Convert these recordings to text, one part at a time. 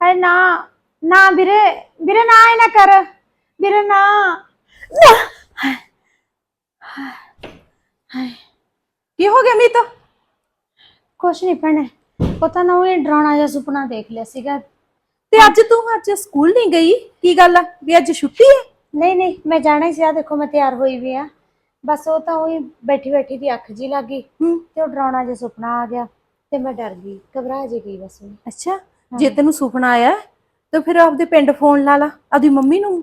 ਹਾਏ ਨਾ ਨਾ ਵੀਰੇ ਵੀਰੇ ਨਾ ਇਹ ਨਾ ਕਰ ਵੀਰੇ ਨਾ ਕੀ ਹੋ ਗਿਆ ਮੀਤ? ਕੁਛ ਨਹੀਂ ਭੈਣੇ ਪਤਾ ਨਾ ਉਹ ਡਰਾਉਣਾ ਜਿਹਾ ਸੁਪਨਾ ਦੇਖ ਲਿਆ ਸੀਗਾ। ਤੇ ਅੱਜ ਤੂੰ ਸਕੂਲ ਨਹੀਂ ਗਈ? ਕੀ ਗੱਲ ਆ ਵੀ ਅੱਜ ਛੁੱਟੀ ਹੈ? ਨਹੀਂ ਨਹੀਂ ਮੈਂ ਜਾਣਾ ਹੀ ਸੀ। ਆ ਦੇਖੋ ਮੈਂ ਤਿਆਰ ਹੋਈ ਵੀ ਆ। ਬਸ ਉਹ ਤਾਂ ਉਹੀ ਬੈਠੀ ਬੈਠੀ ਦੀ ਅੱਖ ਜੀ ਲੱਗ ਗਈ ਤੇ ਉਹ ਡਰਾਉਣਾ ਜਿਹਾ ਸੁਪਨਾ ਆ ਗਿਆ ਤੇ ਮੈਂ ਡਰ ਗਈ, ਘਬਰਾ ਜੀ ਗਈ ਬਸ। ਅੱਛਾ, ਜੇ ਤੈਨੂੰ ਸੁਪਨਾ ਆਇਆ ਤਾਂ ਫਿਰ ਆਪਦੇ ਪਿੰਡ ਫੋਨ ਲਾ ਲਾ ਆਪਦੀ ਮੰਮੀ ਨੂੰ।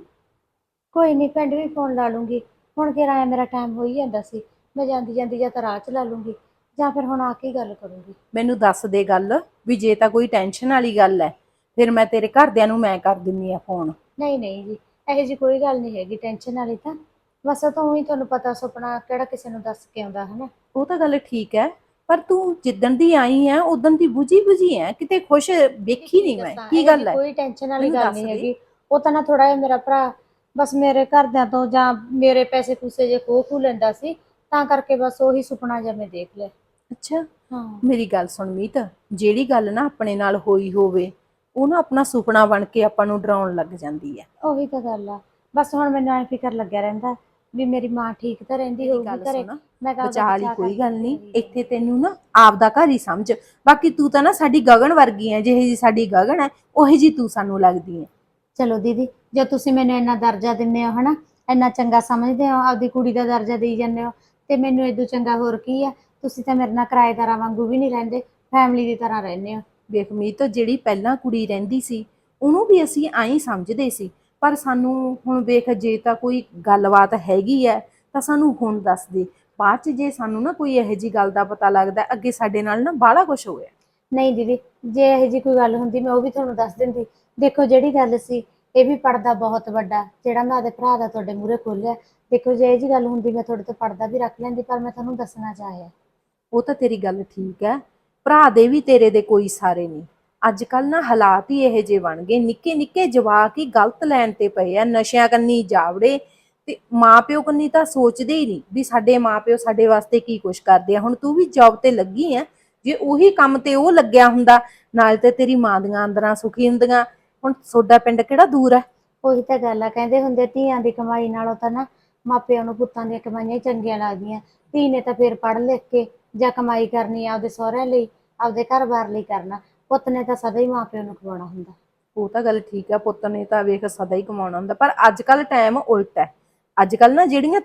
ਕੋਈ ਨਹੀਂ ਪਿੰਡ ਵੀ ਫੋਨ ਲਾ ਲੂੰਗੀ। ਹੁਣ ਕਿਹੜਾ ਆਇਆ, ਮੇਰਾ ਟਾਈਮ ਹੋ ਹੀ ਜਾਂਦਾ ਸੀ। ਮੈਂ ਜਾਂਦੀ ਜਾਂਦੀ ਜਾਂ ਤਾਂ ਰਾਹ ਚ ਲਾ ਲੂੰਗੀ ਜਾਂ ਫਿਰ ਹੁਣ ਆ ਕੇ ਗੱਲ ਕਰੂੰਗੀ। ਮੈਨੂੰ ਦੱਸ ਦੇ ਗੱਲ ਵੀ ਜੇ ਤਾਂ ਕੋਈ ਟੈਨਸ਼ਨ ਵਾਲੀ ਗੱਲ ਹੈ ਫਿਰ ਮੈਂ ਤੇਰੇ ਘਰਦਿਆਂ ਨੂੰ ਮੈਂ ਕਰ ਦਿੰਨੀ ਆ ਫੋਨ। ਨਹੀਂ ਨਹੀਂ ਜੀ, ਇਹੋ ਜਿਹੀ ਕੋਈ ਗੱਲ ਨਹੀਂ ਹੈਗੀ ਟੈਨਸ਼ਨ ਵਾਲੀ ਤਾਂ। ਬਸ ਤਾਂ ਉਹੀ ਤੁਹਾਨੂੰ ਪਤਾ ਸੁਪਨਾ ਕਿਹੜਾ ਕਿਸੇ ਨੂੰ ਦੱਸ ਕੇ ਆਉਂਦਾ ਹੈ ਨਾ। ਉਹ ਤਾਂ ਗੱਲ ਠੀਕ ਹੈ, ਪਰ ਤੂੰ ਜਿੱਦਣ ਦੀ ਆਈ ਹੈ ਉਦੋਂ ਦੀ ਬੁਝੀ ਹੈ, ਕਿਤੇ ਖੁਸ਼ ਵੇਖੀ ਨਹੀਂ ਮੈਂ। ਕੀ ਗੱਲ ਹੈ? ਕੋਈ ਟੈਨਸ਼ਨ ਵਾਲੀ ਗੱਲ ਨਹੀਂ ਹੈਗੀ। ਉਹ ਤਾਂ ਨਾ ਥੋੜਾ ਜਿਹਾ ਮੇਰਾ ਭਰਾ ਬਸ ਮੇਰੇ ਘਰਦਿਆਂ ਤੋਂ ਜਾਂ ਮੇਰੇ ਪੈਸੇ ਪੂਸੇ ਜੇ ਖੋਹ ਲੈਂਦਾ ਸੀ, ਤਾਂ ਕਰਕੇ ਬਸ ਉਹੀ ਸੁਪਨਾ ਜਿਹਾ ਮੈਂ ਦੇਖ ਲਿਆ। ਅੱਛਾ ਹਾਂ ਮੇਰੀ ਗੱਲ ਸੁਣ ਮੀਤ, ਜਿਹੜੀ ਗੱਲ ਨਾ ਆਪਣੇ ਨਾਲ ਹੋਈ ਹੋਵੇ ਉਹ ਨਾ ਆਪਣਾ ਸੁਪਨਾ ਬਣ ਕੇ ਆਪਾਂ ਨੂੰ ਡਰਾਉਣ ਲੱਗ ਜਾਂਦੀ ਹੈ। ਉਹੀ ਤਾਂ ਗੱਲ ਆ। ਬਸ ਹੁਣ ਮੈਨੂੰ ਐ ਫਿਕਰ ਲੱਗਿਆ ਰਹਿੰਦਾ ਵੀ ਮੇਰੀ ਮਾਂ ਠੀਕ ਤਾਂ ਰਹਿੰਦੀ ਹੋਊਗੀ ਘਰੇ। ਮੈਂ ਕਹਾਂ ਬਚਾ ਲਈ, ਕੋਈ ਗੱਲ ਨਹੀਂ। ਇੱਥੇ ਤੈਨੂੰ ਨਾ ਆਪਦਾ ਘਰ ਹੀ ਸਮਝ। ਬਾਕੀ ਤੂੰ ਤਾਂ ਨਾ ਸਾਡੀ ਗਗਨ ਵਰਗੀ ਹੈ, ਜਿਹੇ ਜੀ ਸਾਡੀ ਗਗਨ ਹੈ ਉਹੀ ਜੀ ਤੂੰ ਸਾਨੂੰ ਲੱਗਦੀ ਹੈ। ਚਲੋ ਦੀਦੀ, ਜੇ ਤੁਸੀਂ ਮੈਨੂੰ ਇੰਨਾ ਦਰਜਾ ਦਿੰਦੇ ਹੋ ਹਨਾ, ਇੰਨਾ ਚੰਗਾ ਸਮਝਦੇ ਹੋ, ਆਪਦੀ ਕੁੜੀ ਦਾ ਦਰਜਾ ਦੇਈ ਜਾਂਦੇ ਹੋ, ਤੇ ਮੈਨੂੰ ਇਦੋਂ ਚੰਗਾ ਹੋਰ ਕੀ ਆ। ਤੁਸੀਂ ਤਾਂ ਮੇਰੇ ਨਾਲ ਕਿਰਾਏਦਾਰਾਂ ਵਾਂਗੂ ਵੀ ਨਹੀਂ ਰਹਿੰਦੇ, ਫੈਮਿਲੀ ਦੀ ਤਰ੍ਹਾਂ ਰਹਿੰਦੇ ਹੋ। ਵੇਖ ਮੀਤ, ਜਿਹੜੀ ਪਹਿਲਾਂ ਕੁੜੀ ਰਹਿੰਦੀ ਸੀ ਉਹਨੂੰ ਵੀ ਅਸੀਂ ਐਂ ਸਮਝਦੇ ਸੀ, ਪਰ ਸਾਨੂੰ ਹੁਣ ਵੇਖ ਜੇ ਤਾਂ ਕੋਈ ਗੱਲਬਾਤ ਹੈਗੀ ਹੈ ਤਾਂ ਸਾਨੂੰ ਹੁਣ ਦੱਸ ਦੇ। ਬਾਅਦ ਚ ਜੇ ਸਾਨੂੰ ਨਾ ਕੋਈ ਇਹੋ ਜਿਹੀ ਗੱਲ ਦਾ ਪਤਾ ਲੱਗਦਾ, ਅੱਗੇ ਸਾਡੇ ਨਾਲ ਨਾ ਬਾਹਲਾ ਕੁਛ ਹੋਇਆ। ਨਹੀਂ ਦੀਦੀ, ਜੇ ਇਹੋ ਜਿਹੀ ਕੋਈ ਗੱਲ ਹੁੰਦੀ ਮੈਂ ਉਹ ਵੀ ਤੁਹਾਨੂੰ ਦੱਸ ਦਿੰਦੀ। ਦੇਖੋ ਜਿਹੜੀ ਗੱਲ ਸੀ, ਇਹ ਵੀ ਪਰਦਾ ਬਹੁਤ ਵੱਡਾ ਜਿਹੜਾ ਮੈਂ ਆਪਦੇ ਭਰਾ ਦਾ ਤੁਹਾਡੇ ਮੂਹਰੇ ਖੋਲਿਆ। ਦੇਖੋ ਜੇ ਇਹ ਜਿਹੀ ਗੱਲ ਹੁੰਦੀ ਮੈਂ ਤੁਹਾਡੇ ਤੋਂ ਪਰਦਾ ਵੀ ਰੱਖ ਲੈਂਦੀ, ਪਰ ਮੈਂ ਤੁਹਾਨੂੰ ਦੱਸਣਾ ਚਾਹਿਆ। ਉਹ ਤਾਂ ਤੇਰੀ ਗੱਲ ਠੀਕ ਹੈ, ਭਰਾ ਦੇ ਵੀ ਤੇਰੇ ਦੇ ਕੋਈ ਸਾਰੇ ਨਹੀਂ। ਅੱਜ ਕੱਲ ਨਾ ਹਾਲਾਤ ਹੀ ਇਹੋ ਜਿਹੇ ਬਣ ਗਏ, ਨਿੱਕੇ ਨਿੱਕੇ ਜਵਾਕ ਹੀ ਗਲਤ ਲੈਣ ਤੇ ਪਏ ਆ, ਨਸ਼ਿਆਂ ਕੰਨੀ ਜਾਵੜੇ। ਤੇ ਮਾਂ ਪਿਓ ਕੰਨੀ ਤਾਂ ਸੋਚਦੇ ਹੀ ਨਹੀਂ ਵੀ ਸਾਡੇ ਮਾਂ ਪਿਓ ਸਾਡੇ ਵਾਸਤੇ ਕੀ ਕੁਛ ਕਰਦੇ ਆ। ਹੁਣ ਤੂੰ ਵੀ ਜੌਬ ਤੇ ਲੱਗੀ ਆ, ਜੇ ਉਹੀ ਕੰਮ ਤੇ ਉਹ ਲੱਗਿਆ ਹੁੰਦਾ ਨਾਲ ਤੇ ਤੇਰੀ ਮਾਂ ਦੀਆਂ ਅੰਦਰਾਂ ਸੁਖੀ ਹੁੰਦੀਆਂ। ਹੁਣ ਤੁਹਾਡਾ ਪਿੰਡ ਕਿਹੜਾ ਦੂਰ ਹੈ। ਉਹੀ ਤਾਂ ਗੱਲ ਆ, ਕਹਿੰਦੇ ਹੁੰਦੇ ਧੀਆਂ ਦੀ ਕਮਾਈ ਨਾਲੋਂ ਤਾਂ ਨਾ ਮਾਪਿਆਂ ਨੂੰ ਪੁੱਤਾਂ ਦੀਆਂ ਕਮਾਈਆਂ ਚੰਗੀਆਂ ਲੱਗਦੀਆਂ। ਧੀ ਨੇ ਤਾਂ ਫਿਰ ਪੜ੍ਹ ਲਿਖ ਕੇ ਜਾਂ ਕਮਾਈ ਕਰਨੀ ਆਪਦੇ ਸਹੁਰਿਆਂ ਲਈ, ਆਪਦੇ ਘਰ-ਬਾਰ ਲਈ ਕਰਨਾ। ਪੁੱਤ ਨੇ ਤਾਂ ਸਦਾ ਹੀ ਮਾਪਿਆਂ ਨੂੰ ਖਵਾਉਣਾ ਹੁੰਦਾ। ਉਹ ਤਾਂ ਗੱਲ ਠੀਕ ਹੈ, ਪੁੱਤ ਨੇ ਤਾਂ ਵੇਖ ਸਦਾ ਹੀ ਕਮਾਉਣਾ ਹੁੰਦਾ, ਪਰ ਅੱਜ ਕੱਲ ਟਾਈਮ ਉਲਟ ਹੈ। ਅੱਜ ਕੱਲ ਨਾ ਜਿਹੜੀਆਂ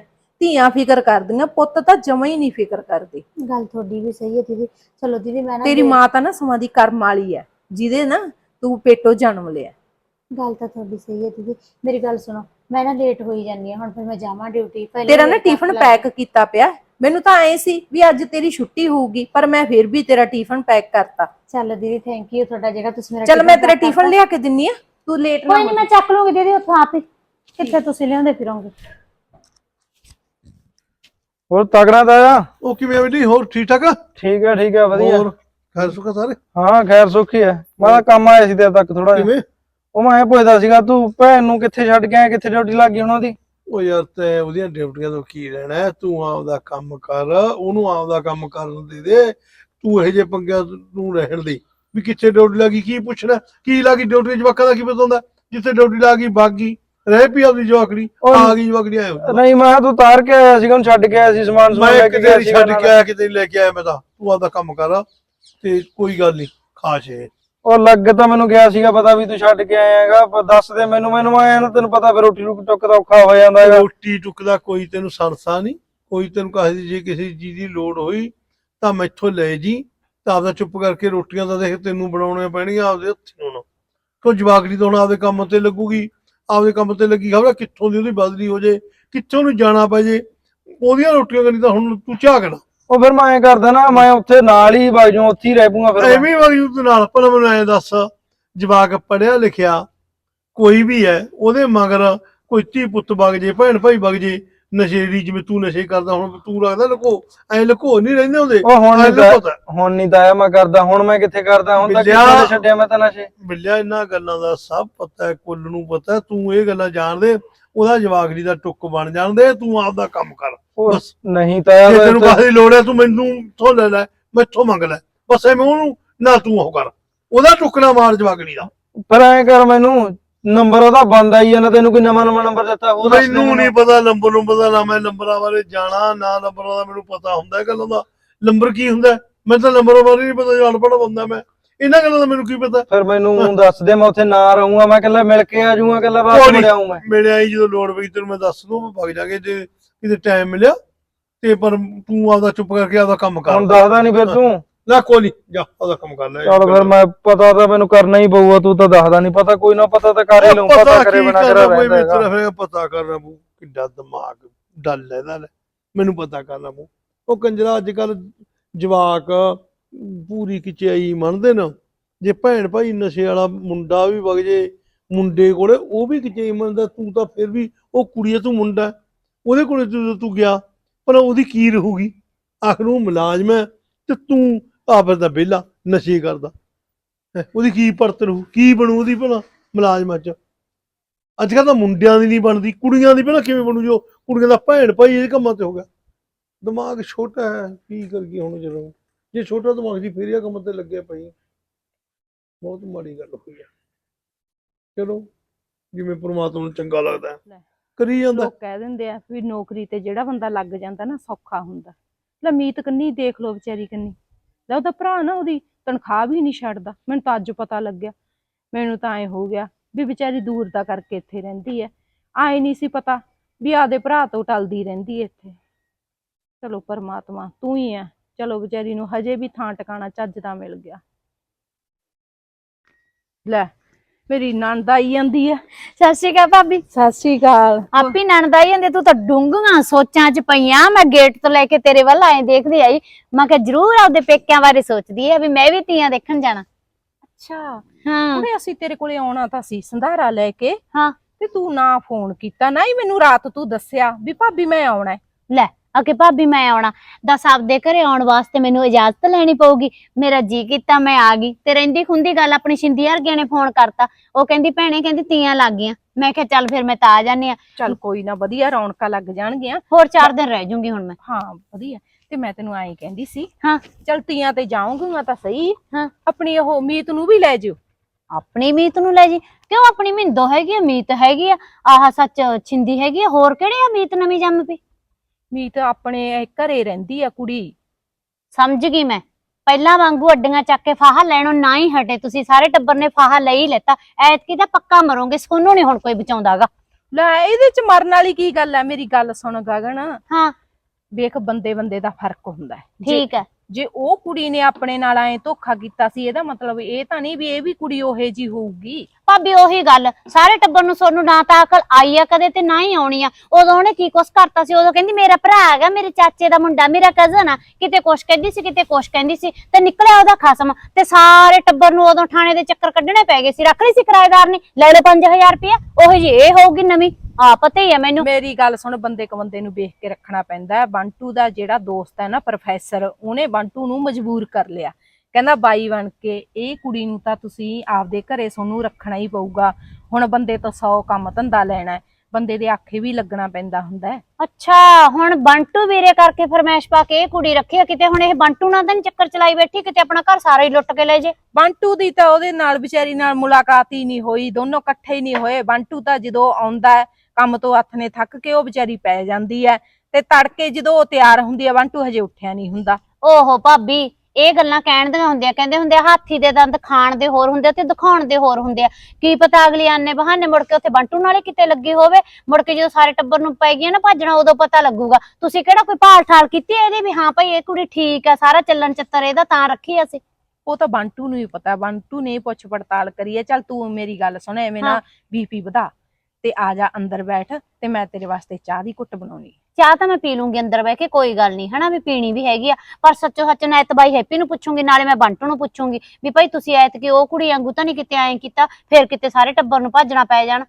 ਧੀਆਂ ਫਿਕਰ ਕਰਦੀਆਂ, ਪੁੱਤ ਤਾਂ ਜਮਾ ਹੀ ਨਹੀਂ ਫਿਕਰ ਕਰਦੇ। ਗੱਲ ਤੁਹਾਡੀ ਵੀ ਸਹੀ ਹੈ ਦੀਦੀ। ਚਲੋ ਦੀਦੀ ਮੈਂ ਨਾ ਤੇਰੀ ਮਾਂ ਤਾਂ ਨਾ ਸਮਾਂ ਦੀ ਕਰਮ ਵਾਲੀ ਹੈ, ਜਿਹਦੇ ਨਾ ਤੂੰ ਪੇਟੋਂ ਜਨਮ ਲਿਆ। ਗੱਲ ਤਾਂ ਤੁਹਾਡੀ ਸਹੀ ਹੈ ਦੀਦੀ। ਮੇਰੀ ਗੱਲ ਸੁਣੋ, ਮੈਂ ਨਾ ਲੇਟ ਹੋਈ ਜਾਂਦੀ ਹਾਂ ਹੁਣ, ਫਿਰ ਮੈਂ ਜਾਵਾਂ ਡਿਊਟੀ। ਤੇਰਾ ਨਾ ਟਿਫਨ ਪੈਕ ਕੀਤਾ ਪਿਆ, ਮੈਨੂੰ ਤਾਂ ਐ ਸੀ ਵੀ ਅੱਜ ਤੇਰੀ ਛੁੱਟੀ ਹੋਊਗੀ, ਪਰ ਮੈਂ ਫਿਰ ਵੀ ਤੇਰਾ ਟਿਫਨ ਪੈਕ ਕਰਤਾ। ਚੱਲ ਦੀਦੀ ਥੈਂਕ ਯੂ ਤੁਹਾਡਾ, ਜਿਹੜਾ ਤੁਸੀਂ ਮੇਰਾ ਚੱਲ ਮੈਂ ਤੇਰਾ ਟਿਫਨ ਲਿਆ ਕੇ ਦਿੰਨੀ ਆ, ਤੂੰ ਲੇਟ ਨਾ ਕੋਈ ਹੋ। ਨਹੀਂ ਮੈਂ ਚੱਕ ਲੂੰਗੀ ਦੀਦੀ ਉੱਥੋਂ ਆਪ ਹੀ, ਕਿੱਥੇ ਤੁਸੀਂ ਲਿਆਉਂਦੇ ਫਿਰੋਗੇ। ਹੋਰ ਤਗੜਾ ਦਾ ਆ। ਉਹ ਕਿਵੇਂ ਬਈ? ਹੋਰ ਠੀਕ ਠਾਕ? ਠੀਕ ਹੈ ਵਧੀਆ। ਹੋਰ ਖੈਰ ਸੁੱਖਾ ਸਾਰੇ? ਹਾਂ ਖੈਰ ਸੁੱਖੀ ਹੈ। ਮੈਂ ਤਾਂ ਕੰਮ ਆਇਆ ਸੀ ਤੇਰੇ ਤੱਕ ਥੋੜਾ ਜਿਹਾ। ਕਿਵੇਂ? ਉਹ ਮੈਂ ਪੁੱਛਦਾ ਸੀਗਾ ਤੂੰ ਭੈਣ ਨੂੰ ਕਿੱਥੇ ਛੱਡ ਕੇ ਆਇਆ, ਕਿੱਥੇ ਡਿਊਟੀ ਲੱਗ ਗਈ ਉਹਨਾਂ ਦੀ? ਉਹ ਯਾਰ ਤੇ ਉਹਦੀਆਂ ਡਿਊਟੀਆਂ ਤੋਂ ਕੀ ਰਹਿਣਾ, ਤੂੰ ਆਪਦਾ ਕੰਮ ਕਰ, ਉਹਨੂੰ ਆਪਦਾ ਕੰਮ ਕਰਨ ਦੇ। ਤੂੰ ਇਹੋ ਜਿਹੇ ਪੰਗਿਆਂ ਨੂੰ ਰਹਿਣ ਦੇ ਵੀ ਕਿੱਥੇ ਡਿਊਟੀ ਲੱਗੀ, ਕੀ ਪੁੱਛਣਾ ਕੀ ਲੱਗੀ ਡਿਊਟੀ। ਜਵਾਕਾਂ ਦਾ ਕੀ ਪਤਾ ਹੁੰਦਾ, ਜਿੱਥੇ ਡਿਊਟੀ ਲੱਗ ਗਈ ਬਾਗੀ ਰਹਿ ਪਈ ਆਪਦੀ ਜਵਾਕੜੀ, ਆ ਗਈ ਜਵਾਕੜੀ ਆਏ। ਨਹੀਂ ਮੈਂ ਤੂੰ ਤਾਰ ਕੇ ਆਇਆ ਸੀਗਾ, ਉਹਨੂੰ ਛੱਡ ਕੇ ਆਇਆ ਸੀ, ਸਮਾਨ ਮੈਂ ਕਿਤੇ ਛੱਡ ਕੇ ਆਇਆ ਕਿਤੇ ਲੈ ਕੇ ਆਇਆ। ਮੈਂ ਤਾਂ ਤੂੰ ਆਪਦਾ ਕੰਮ ਕਰ ਤੇ ਕੋਈ ਗੱਲ ਨਹੀਂ ਖਾਸ ਇਹ। ਉਹ ਲੱਗ ਤਾਂ ਮੈਨੂੰ ਗਿਆ ਸੀਗਾ ਪਤਾ ਵੀ ਤੂੰ ਛੱਡ ਕੇ ਆਏਗਾ, ਪਰ ਦੱਸ ਦੇ ਮੈਨੂੰ ਆਇਆ ਨਾ, ਤੈਨੂੰ ਪਤਾ ਫਿਰ ਰੋਟੀ ਟੁੱਕ ਦਾ ਔਖਾ ਹੋ ਜਾਂਦਾ ਹੈਗਾ। ਰੋਟੀ ਟੁੱਕ ਦਾ ਕੋਈ ਤੈਨੂੰ ਸੰਸਾ ਨਹੀਂ, ਕੋਈ ਤੈਨੂੰ ਕਹੇ ਜੇ ਕਿਸੇ ਚੀਜ਼ ਦੀ ਲੋੜ ਹੋਈ ਤਾਂ ਮੈਥੋਂ ਲੈ ਜੀ, ਤਾਂ ਆਪਦਾ ਚੁੱਪ ਕਰਕੇ ਰੋਟੀਆਂ ਤਾਂ ਦੇਖ ਤੈਨੂੰ ਬਣਾਉਣੀਆਂ ਪੈਣਗੀਆਂ ਆਪਦੇ ਹੱਥੀਂ। ਹੁਣ ਕੋਈ ਜਵਾਕੜੀ ਤਾਂ ਹੁਣ ਆਪਦੇ ਕੰਮ ਤੇ ਲੱਗੂਗੀ, ਆਪਦੇ ਕੰਮ ਤੇ ਲੱਗੀ ਖਬਰ ਕਿੱਥੋਂ ਦੀ ਉਹਦੀ ਬਦਲੀ ਹੋ ਜੇ, ਕਿੱਥੋਂ ਨੂੰ ਜਾਣਾ ਪੈ ਜੇ, ਉਹਦੀਆਂ ਰੋਟੀਆਂ ਕਰਨੀ ਤਾਂ ਹੁਣ ਤੂੰ ਝਾਕਣਾ। ਉਹ ਫਿਰ ਮੈਂ ਐਂ ਕਰਦਾ ਨਾ, ਮੈਂ ਉੱਥੇ ਨਾਲ ਹੀ ਵਗ ਜਾਊਂ, ਉੱਥੇ ਹੀ ਰਹਿ ਪੂੰਗਾ ਫਿਰ। ਐਵੇਂ ਵਗ ਜੂ ਤੂੰ ਨਾਲ? ਭਲਾ ਮੈਨੂੰ ਐਂ ਦੱਸ, ਜਵਾਕ ਪੜ੍ਹਿਆ ਲਿਖਿਆ ਕੋਈ ਵੀ ਹੈ, ਉਹਦੇ ਮਗਰ ਕੋਈ ਧੀ ਪੁੱਤ ਵਗ ਜੇ, ਭੈਣ ਭਾਈ ਵਗ ਜੇ, ਨਸ਼ੇੜੀ ਜਿਵੇਂ ਤੂੰ ਨਸ਼ੇ ਕਰਦਾ, ਹੁਣ ਤੂੰ ਲੱਗਦਾ ਲੁਕੋ, ਐ ਲੁਕੋ ਨਹੀਂ ਰਹਿੰਦੇ ਹੁੰਦੇ। ਉਹ ਹੁਣ ਨਹੀਂ ਤਾਂ ਮੈਂ ਕਰਦਾ, ਹੁਣ ਮੈਂ ਕਿੱਥੇ ਕਰਦਾ, ਹੁਣ ਤਾਂ ਕਿੱਥੇ ਛੱਡਿਆ ਮੈਂ ਤਾਂ ਨਸ਼ੇ। ਬਿੱਲਿਆ ਇਹਨਾਂ ਗੱਲਾਂ ਦਾ ਸਭ ਪਤਾ, ਕੁੱਲ ਨੂੰ ਪਤਾ, ਤੂੰ ਇਹ ਗੱਲਾਂ ਜਾਣਦੇ। ਉਹਦਾ ਜਵਾਕੜੀ ਦਾ ਟੁੱਕ ਬਣ ਜਾਂਦੇ, ਤੂੰ ਆਪਦਾ ਕੰਮ ਕਰ ਬਸ। ਨਹੀਂ ਤਾਂ ਜੇ ਤੈਨੂੰ ਕਾਹਦੀ ਲੋੜ ਹੈ ਤੂੰ ਮੈਨੂੰ ਥੋਂ ਲੈ ਲੈ, ਮੈਥੋਂ ਮੰਗ ਲੈ, ਬਸ ਐਵੇਂ ਉਹਨੂੰ ਨਾ ਤੂੰ ਉਹ ਕਰ, ਉਹਦਾ ਟੁੱਕ ਨਾ ਮਾਰ ਜਵਾਕੜੀ ਦਾ। ਪਰ ਐਂ ਕਰ ਮੈਨੂੰ ਨੰਬਰ ਉਹਦਾ ਬੰਦ ਆਈ ਜਾਂਦਾ, ਤੈਨੂੰ ਕੋਈ ਨਵਾਂ ਨੰਬਰ ਦਿੱਤਾ ਉਹ ਦੱਸ ਦੇ ਮੈਨੂੰ ਨਹੀਂ ਪਤਾ ਨੰਬਰ ਦਾ, ਨਾ ਮੈਂ ਨੰਬਰਾਂ ਬਾਰੇ ਜਾਣਾ ਨਾ ਨੰਬਰਾਂ ਦਾ ਮੈਨੂੰ ਪਤਾ ਹੁੰਦਾ ਗੱਲਾਂ ਦਾ। ਨੰਬਰ ਕੀ ਹੁੰਦਾ ਮੈਨੂੰ ਤਾਂ ਨੰਬਰਾਂ ਬਾਰੇ ਨਹੀਂ ਪਤਾ, ਜੇ ਅਨਪੜ੍ਹ ਬੰਦਾ ਮੈਂ, ਇਹਨਾਂ ਗੱਲਾਂ ਦਾ ਮੈਨੂੰ ਕੀ ਪਤਾ। ਫਿਰ ਮੈਨੂੰ ਦੱਸ ਦੇ, ਮੈਂ ਉੱਥੇ ਨਾ ਰਹੂੰਗਾ, ਮੈਂ ਇਕੱਲਾ ਮਿਲ ਕੇ ਆ ਜਾਊਂਗਾ, ਇਕੱਲਾ ਬਾਅਦ ਮੁੜ ਆਊਂ ਮੈਂ। ਮੇਰੇ ਆਈ ਜਦੋਂ ਲੋੜ ਪਈ ਤੈਨੂੰ ਮੈਂ ਦੱਸ ਦੂੰ, ਮੈਂ ਵਗ ਜਾਗੇ ਜੇ ਕਿਤੇ ਟਾਈਮ ਮਿਲਿਆ ਤੇ, ਪਰ ਤੂੰ ਆਪਦਾ ਚੁੱਪ ਕਰਕੇ ਆਪਦਾ ਕੰਮ ਕਰ। ਹੁਣ ਦੱਸਦਾ ਨਹੀਂ ਫਿਰ ਤੂੰ? ਨਾ ਕੋਈ ਨੀ, ਜਾ ਆਪਦਾ ਕੰਮ ਕਰ ਲੈ। ਚਲ ਫਿਰ ਮੈਂ ਪਤਾ ਤਾਂ ਮੈਨੂੰ ਕਰਨਾ ਹੀ ਪਊਗਾ, ਤੂੰ ਤਾਂ ਦੱਸਦਾ ਨਹੀਂ, ਪਤਾ ਕੋਈ ਨਾ ਪਤਾ ਤਾਂ ਕਰ ਹੀ ਲਊਂ, ਪਤਾ ਕਰੇ ਬਿਨਾਂ ਕਰਾ ਕੋਈ ਰਹਿੰਦਾ ਹੈਗਾ। ਮਿੱਤਰ ਪਤਾ ਕਰਨਾ ਪਊ, ਕਿੱਡਾ ਦਿਮਾਗ ਡੱਲ ਇਹਦਾ, ਮੈਨੂੰ ਪਤਾ ਕਰਨਾ ਪਊ। ਉਹ ਕੰਜਰਾ ਅੱਜ ਕੱਲ ਜਵਾਕ ਪੂਰੀ ਖਿਚਾਈ ਮੰਨਦੇ ਨਾ, ਜੇ ਭੈਣ ਭਾਈ ਨਸ਼ੇ ਵਾਲਾ ਮੁੰਡਾ ਵੀ ਵਗ ਜੇ ਮੁੰਡੇ ਕੋਲੇ, ਉਹ ਵੀ ਖਿਚਾਈ ਮੰਨਦਾ, ਤੂੰ ਤਾਂ ਫਿਰ ਵੀ ਉਹ ਕੁੜੀ ਆ, ਤੂੰ ਮੁੰਡਾ, ਉਹਦੇ ਕੋਲੇ ਤੂੰ ਗਿਆ, ਪਰ ਉਹਦੀ ਕੀ ਰਹੂਗੀ? ਆਖਰ ਉਹ ਮੁਲਾਜ਼ਮ ਹੈ ਤੇ ਤੂੰ ਆਪਸ ਦਾ ਵਿਹਲਾ ਨਸ਼ੇ ਕਰਦਾ, ਉਹਦੀ ਕੀ ਪਰਤ ਰਹੂ, ਕੀ ਬਣੂ ਉਹਦੀ ਭਲਾ ਮੁਲਾਜ਼ਮਾਂ ਚ? ਅੱਜ ਕੱਲ੍ਹ ਤਾਂ ਮੁੰਡਿਆਂ ਦੀ ਨਹੀਂ ਬਣਦੀ, ਕੁੜੀਆਂ ਦੀ ਭਲਾ ਕਿਵੇਂ ਬਣੂ, ਜੋ ਕੁੜੀਆਂ ਦਾ ਭੈਣ ਭਾਈ ਇਹ ਕੰਮਾਂ ਤੇ ਹੋ ਗਿਆ। ਦਿਮਾਗ ਛੋਟਾ ਹੈ, ਕੀ ਕਰੀਏ ਹੁਣ, ਜਦੋਂ ਜੇ ਛੋਟਾ ਦਿਮਾਗ ਸੀ ਫਿਰ ਇਹ ਕੰਮ ਤੇ ਲੱਗਿਆ ਪਈ, ਬਹੁਤ ਮਾੜੀ ਗੱਲ ਹੋਈ ਆ। ਚਲੋ ਜਿਵੇਂ ਪ੍ਰਮਾਤਮਾ ਨੂੰ ਚੰਗਾ ਲੱਗਦਾ ਕਰੀ ਜਾਂਦਾ। ਲੋਕ ਕਹਿ ਦਿੰਦੇ ਆ ਵੀ ਨੌਕਰੀ ਤੇ ਜਿਹੜਾ ਬੰਦਾ ਲੱਗ ਜਾਂਦਾ ਨਾ ਸੌਖਾ ਹੁੰਦਾ। ਲੈ ਮੀਤ ਕੰਨੀ ਦੇਖ ਲੋ ਵਿਚਾਰੀ ਕੰਨੀ, ਲੈ ਉਹਦਾ ਭਰਾ ਨਾ ਉਹਦੀ ਤਨਖਾਹ ਵੀ ਨਹੀਂ ਛੱਡਦਾ। ਮੈਨੂੰ ਤਾਂ ਅੱਜ ਪਤਾ ਲੱਗਿਆ, ਮੈਨੂੰ ਤਾਂ ਐ ਹੋ ਗਿਆ ਵੀ ਵਿਚਾਰੀ ਦੂਰ ਦਾ ਕਰਕੇ ਇੱਥੇ ਰਹਿੰਦੀ ਐ, ਆਏ ਨਹੀਂ ਸੀ ਪਤਾ ਵੀ ਆਦੇ ਭਰਾ ਤੋਂ ਟਲਦੀ ਰਹਿੰਦੀ ਐ ਇੱਥੇ। ਚਲੋ ਪਰਮਾਤਮਾ ਤੂੰ ਹੀ ਐ, ਚਲੋ ਵਿਚਾਰੀ ਨੂੰ ਹਜੇ ਵੀ ਥਾਂ ਟਿਕਾਣਾ ਚੱਜ ਦਾ ਮਿਲ ਗਿਆ। ਲੈ ਮੇਰੀ ਨਣਦ ਆਈ ਜਾਂਦੀ ਐ। ਸਤਿ ਸ਼੍ਰੀ ਅਕਾਲ ਭਾਬੀ। ਸਤਿ ਸ਼੍ਰੀ ਅਕਾਲ। ਆਪੀ ਨਣਦ ਆਈ ਜਾਂਦੀ, ਤੂੰ ਤਾਂ ਡੂੰਘੀਆਂ ਸੋਚਾਂ ਚ ਪਈਆਂ। ਮੈਂ ਗੇਟ ਤੋਂ ਲੈ ਕੇ ਤੇਰੇ ਵੱਲ ਆਏ ਦੇਖਦੀ ਆਈ, ਮੈਂ ਕਿਹਾ ਜ਼ਰੂਰ ਆਪਦੇ ਪੇਕਿਆਂ ਬਾਰੇ ਸੋਚਦੀ ਐ ਵੀ ਮੈਂ ਵੀ ਤੀਆਂ ਦੇਖਣ ਜਾਣਾ। ਅੱਛਾ ਹਾਂ ਕੁੜੇ ਅਸੀਂ ਤੇਰੇ ਕੋਲੇ ਆਉਣਾ ਤਾਂ ਸੀ ਸੰਧਾਰਾ ਲੈ ਕੇ, ਹਾਂ ਤੇ ਤੂੰ ਨਾ ਫੋਨ ਕੀਤਾ, ਨਾ ਹੀ ਮੈਨੂੰ ਰਾਤ ਤੂੰ ਦੱਸਿਆ ਵੀ ਭਾਬੀ ਮੈਂ ਆਉਣਾ ਹੈ। ਲੈ ਅਕੇ ਭਾਬੀ ਮੈਂ ਆਉਣਾ, ਦੱਸ ਆਪਦੇ ਘਰੇ ਆਉਣ ਵਾਸਤੇ ਮੈਨੂੰ ਇਜਾਜ਼ਤ ਲੈਣੀ ਪਊਗੀ। ਮੇਰਾ ਜੀ ਕੀਤਾ ਮੈਂ ਆ ਗਈ, ਤੇ ਰਹਿੰਦੀ ਖੁੰਦੀ ਗੱਲ ਆਪਣੀ ਸ਼ਿੰਦੀ ਵਰਗਿਆਂ ਨੇ ਫੋਨ ਕਰਤਾ, ਉਹ ਕਹਿੰਦੀ ਭੈਣੇ ਕਹਿੰਦੀ ਤੀਆਂ ਲੱਗ ਗਈਆਂ। ਮੈਂ ਕਿਹਾ ਚੱਲ ਫਿਰ ਮੈਂ ਤਾਂ ਆ ਜਾਨੀ ਆ। ਚੱਲ ਕੋਈ ਨਾ, ਵਧੀਆ ਰੌਣਕਾਂ ਲੱਗ ਜਾਣਗੀਆਂ। ਹੋਰ 4 ਦਿਨ ਰਹਿ ਜੂੰਗੀ ਹੁਣ ਮੈਂ। ਹਾਂ ਵਧੀਆ। ਤੇ ਮੈਂ ਤੈਨੂੰ ਐਂ ਕਹਿੰਦੀ ਸੀ, ਹਾਂ ਚੱਲ ਤੀਆਂ ਤੇ ਜਾਊਂਗੀ ਮੈਂ ਤਾਂ ਸਹੀ, ਹਾਂ ਆਪਣੀ ਉਹ ਮੀਤ ਨੂੰ ਵੀ ਲੈ ਜਿਓ। ਆਪਣੀ ਮੀਤ ਨੂੰ ਲੈ ਜੀ? ਕਿਉਂ, ਆਪਣੀ ਮਿੰਦੋ ਹੈਗੀ ਆ, ਮੀਤ ਹੈਗੀ ਆ, ਆਹ ਸੱਚ ਛਿੰਦੀ ਹੈਗੀ ਆ, ਹੋਰ ਕਿਹੜੇ ਆ ਮੀਤ ਨਵੀਂ ਜੰਮ ਪਈ? ਮੀਤ ਆਪਣੇ ਘਰੇ ਰਹਿੰਦੀ ਆ ਕੁੜੀ। ਸਮਝ ਗਈ ਮੈਂ, ਪਹਿਲਾਂ ਵਾਂਗੂ ਅੱਡੀਆਂ ਚੱਕ ਕੇ ਫਾਹਾ ਲੈਣੋਂ ਨਾ ਹੀ ਹਟੇ ਤੁਸੀਂ, ਸਾਰੇ ਟੱਬਰ ਨੇ ਫਾਹਾ ਲੈ ਹੀ ਲੈਤਾ। ਐਤਕੀ ਤਾਂ ਪੱਕਾ ਮਰੋਗੇ, ਸੋਨੂੰ ਨੀ ਹੁਣ ਕੋਈ ਬਚਾਉਂਦਾਗਾ। ਲੈ ਇਹਦੇ ਚ ਮਰਨ ਵਾਲੀ ਕੀ ਗੱਲ ਹੈ? ਮੇਰੀ ਗੱਲ ਸੁਣ ਗਗਨ, ਹਾਂ ਵੇਖ ਬੰਦੇ ਬੰਦੇ ਦਾ ਫਰਕ ਹੁੰਦਾ ਹੈ। ਠੀਕ ਹੈ। ਜੇ ਉਹ ਕੁੜੀ ਨੇ ਆਪਣੇ ਨਾਲ ਐ ਧੋਖਾ ਕੀਤਾ ਸੀ, ਇਹਦਾ ਮਤਲਬ ਇਹ ਤਾਂ ਨਹੀਂ ਵੀ ਇਹ ਵੀ ਕੁੜੀ ਉਹੇ ਜੀ ਹੋਊਗੀ। ਭਾਬੀ ਉਹੀ ਗੱਲ, ਸਾਰੇ ਟੱਬਰ ਨੂੰ ਸੋਨੂੰ ਨਾ ਤਾਂ ਅਕਲ ਆਈ ਆ ਕਦੇ ਤੇ ਨਾ ਹੀ ਆਉਣੀ ਆ। ਉਦੋਂ ਉਹਨੇ ਕੀ ਕੁਛ ਕਰਤਾ ਸੀ, ਉਦੋਂ ਕਹਿੰਦੀ ਮੇਰਾ ਭਰਾ ਹੈਗਾ, ਮੇਰੇ ਚਾਚੇ ਦਾ ਮੁੰਡਾ, ਮੇਰਾ ਕਜ਼ਨ ਆ, ਕਿਤੇ ਕੁਛ ਕਹਿੰਦੀ ਸੀ ਕਿਤੇ ਕੁਛ ਕਹਿੰਦੀ ਸੀ, ਤੇ ਨਿਕਲਿਆ ਉਹਦਾ ਖਸਮ। ਤੇ ਸਾਰੇ ਟੱਬਰ ਨੂੰ ਉਦੋਂ ਥਾਣੇ ਦੇ ਚੱਕਰ ਕੱਢਣੇ ਪੈ ਗਏ ਸੀ, ਰੱਖ ਲਈ ਸੀ ਕਿਰਾਏਦਾਰ ਨੇ, ਲੈ ਲਓ 5000 ਰੁਪਇਆ। ਉਹੀ ਜੀ ਇਹ ਹੋਊਗੀ ਨਵੀਂ, ਆ ਪਤਾ ਹੀ ਆ ਮੈਨੂੰ। ਮੇਰੀ ਗੱਲ ਸੁਣ, ਬੰਦੇ ਕ ਬੰਦੇ ਨੂੰ ਵੇਖ ਕੇ ਰੱਖਣਾ ਪੈਂਦਾ। ਬੰਟੂ ਦਾ ਜਿਹੜਾ ਦੋਸਤ ਹੈ ਨਾ ਪ੍ਰੋਫੈਸਰ, ਉਹਨੇ ਬੰਟੂ ਨੂੰ ਮਜਬੂਰ ਕਰ ਲਿਆ, ਕਹਿੰਦਾ ਬਾਈ ਬਣ ਕੇ ਇਹ ਕੁੜੀ ਨੂੰ ਤਾਂ ਤੁਸੀਂ ਆਪਦੇ ਘਰੇ ਸੋਨੂੰ ਰੱਖਣਾ ਹੀ ਪਊਗਾ। ਹੁਣ ਬੰਦੇ ਤੋਂ 100 ਕੰਮ ਧੰਦਾ ਲੈਣਾ ਹੈ, ਬੰਦੇ ਦੇ ਆਖੇ ਵੀ ਲੱਗਣਾ ਪੈਂਦਾ ਹੁੰਦਾ ਹੈ। ਅੱਛਾ ਹੁਣ ਬੰਟੂ ਵੀਰੇ ਕਰਕੇ ਫਰਮੈਸ਼ ਪਾ ਕੇ ਇਹ ਕੁੜੀ ਰੱਖੀ ਆ, ਕਿਤੇ ਹੁਣ ਇਹ ਬੰਟੂ ਨਾਲ ਤਾਂ ਨੀ ਚੱਕਰ ਚਲਾਈ ਬੈਠੀ, ਕਿਤੇ ਆਪਣਾ ਘਰ ਸਾਰਾ ਹੀ ਲੁੱਟ ਕੇ ਲੈ ਜੇ। ਬੰਟੂ ਦੀ ਤਾਂ ਉਹਦੇ ਨਾਲ ਵਿਚਾਰੀ ਨਾਲ ਮੁਲਾਕਾਤ ਹੀ ਨਹੀਂ ਹੋਈ, ਦੋਨੋਂ ਇਕੱਠੇ ਹੀ ਨਹੀਂ ਹੋਏ। ਬੰਟੂ ਤਾਂ ਜਦੋਂ ਆਉਂਦਾ ਹੈ ਕੰਮ ਤੋਂ ਹੱਥ ਨੇ ਥੱਕ ਕੇ, ਉਹ ਵਿਚਾਰੀ ਪੈ ਜਾਂਦੀ ਹੈ, ਤੇ ਤੜਕੇ ਜਦੋਂ ਉਹ ਤਿਆਰ ਹੁੰਦੀ ਹੈ ਬੰਟੂ ਹਜੇ ਉੱਠਿਆ ਨਹੀਂ ਹੁੰਦਾ। ਓਹੋ ਭਾਬੀ, ਇਹ ਗੱਲਾਂ ਕਹਿਣ ਦੀਆਂ ਹੁੰਦੀਆਂ, ਕਹਿੰਦੇ ਹੁੰਦੇ ਆ ਹਾਥੀ ਦੇ ਦੰਦ ਖਾਣ ਦੇ ਹੋਰ ਹੁੰਦੇ ਆ ਤੇ ਦਿਖਾਉਣ ਦੇ ਹੋਰ ਹੁੰਦੇ ਆ। ਕੀ ਪਤਾ ਅਗਲੀ ਆਨੇ ਬਹਾਨੇ ਮੁੜ ਕੇ ਉੱਥੇ ਬੰਟੂ ਨਾਲ ਹੀ ਕਿਤੇ ਲੱਗੀ ਹੋਵੇ, ਮੁੜ ਕੇ ਜਦੋਂ ਸਾਰੇ ਟੱਬਰ ਨੂੰ ਪੈ ਗਈਆਂ ਨਾ ਭੱਜਣਾ, ਉਦੋਂ ਪਤਾ ਲੱਗੂਗਾ। ਤੁਸੀਂ ਕਿਹੜਾ ਕੋਈ ਭਾਲ ਠਾਲ ਕੀਤੀ ਇਹਦੀ ਵੀ ਹਾਂ ਭਾਈ ਇਹ ਕੁੜੀ ਠੀਕ ਆ, ਸਾਰਾ ਚੱਲਣ ਚੱਤਰ ਇਹਦਾ ਤਾਂ ਰੱਖੀ ਅਸੀਂ? ਉਹ ਤਾਂ ਬੰਟੂ ਨੂੰ ਹੀ ਪਤਾ, ਬੰਟੂ ਨੇ ਪੁੱਛ ਪੜਤਾਲ ਕਰੀ ਹੈ। ਚੱਲ ਤੂੰ ਮੇਰੀ ਗੱਲ ਸੁਣ, ਐਵੇਂ ਨਾ ਬੀਪੀ ਵਧਾ, ਤੇ ਆ ਜਾ ਅੰਦਰ ਬੈਠ, ਤੇ ਮੈਂ ਤੇਰੇ ਵਾਸਤੇ ਚਾਹ ਦੀ ਘੁੱਟ ਬਣਾਉਣੀ। ਚਾਹ ਤਾਂ ਮੈਂ ਪੀ ਲੂੰਗੀ ਅੰਦਰ ਬਹਿ ਕੇ, ਕੋਈ ਗੱਲ ਨਹੀਂ ਹਨਾ, ਵੀ ਪੀਣੀ ਵੀ ਹੈਗੀ ਆ। ਪਰ ਸੱਚੋ ਸੱਚ ਨਾ ਬਾਈ ਹੈਪੀ ਨੂੰ ਪੁੱਛੂੰਗੀ, ਨਾਲੇ ਮੈਂ ਬੰਟੂ ਨੂੰ ਪੁੱਛੂੰਗੀ ਵੀ ਭਾਈ ਤੁਸੀਂ ਐਤਕੀ ਉਹ ਕੁੜੀ ਵਾਂਗੂ ਤਾਂ ਨਹੀਂ ਕਿਤੇ ਐਂ ਕੀਤਾ, ਫਿਰ ਕਿਤੇ ਸਾਰੇ ਟੱਬਰ ਨੂੰ ਭੱਜਣਾ ਪੈ ਜਾਣ।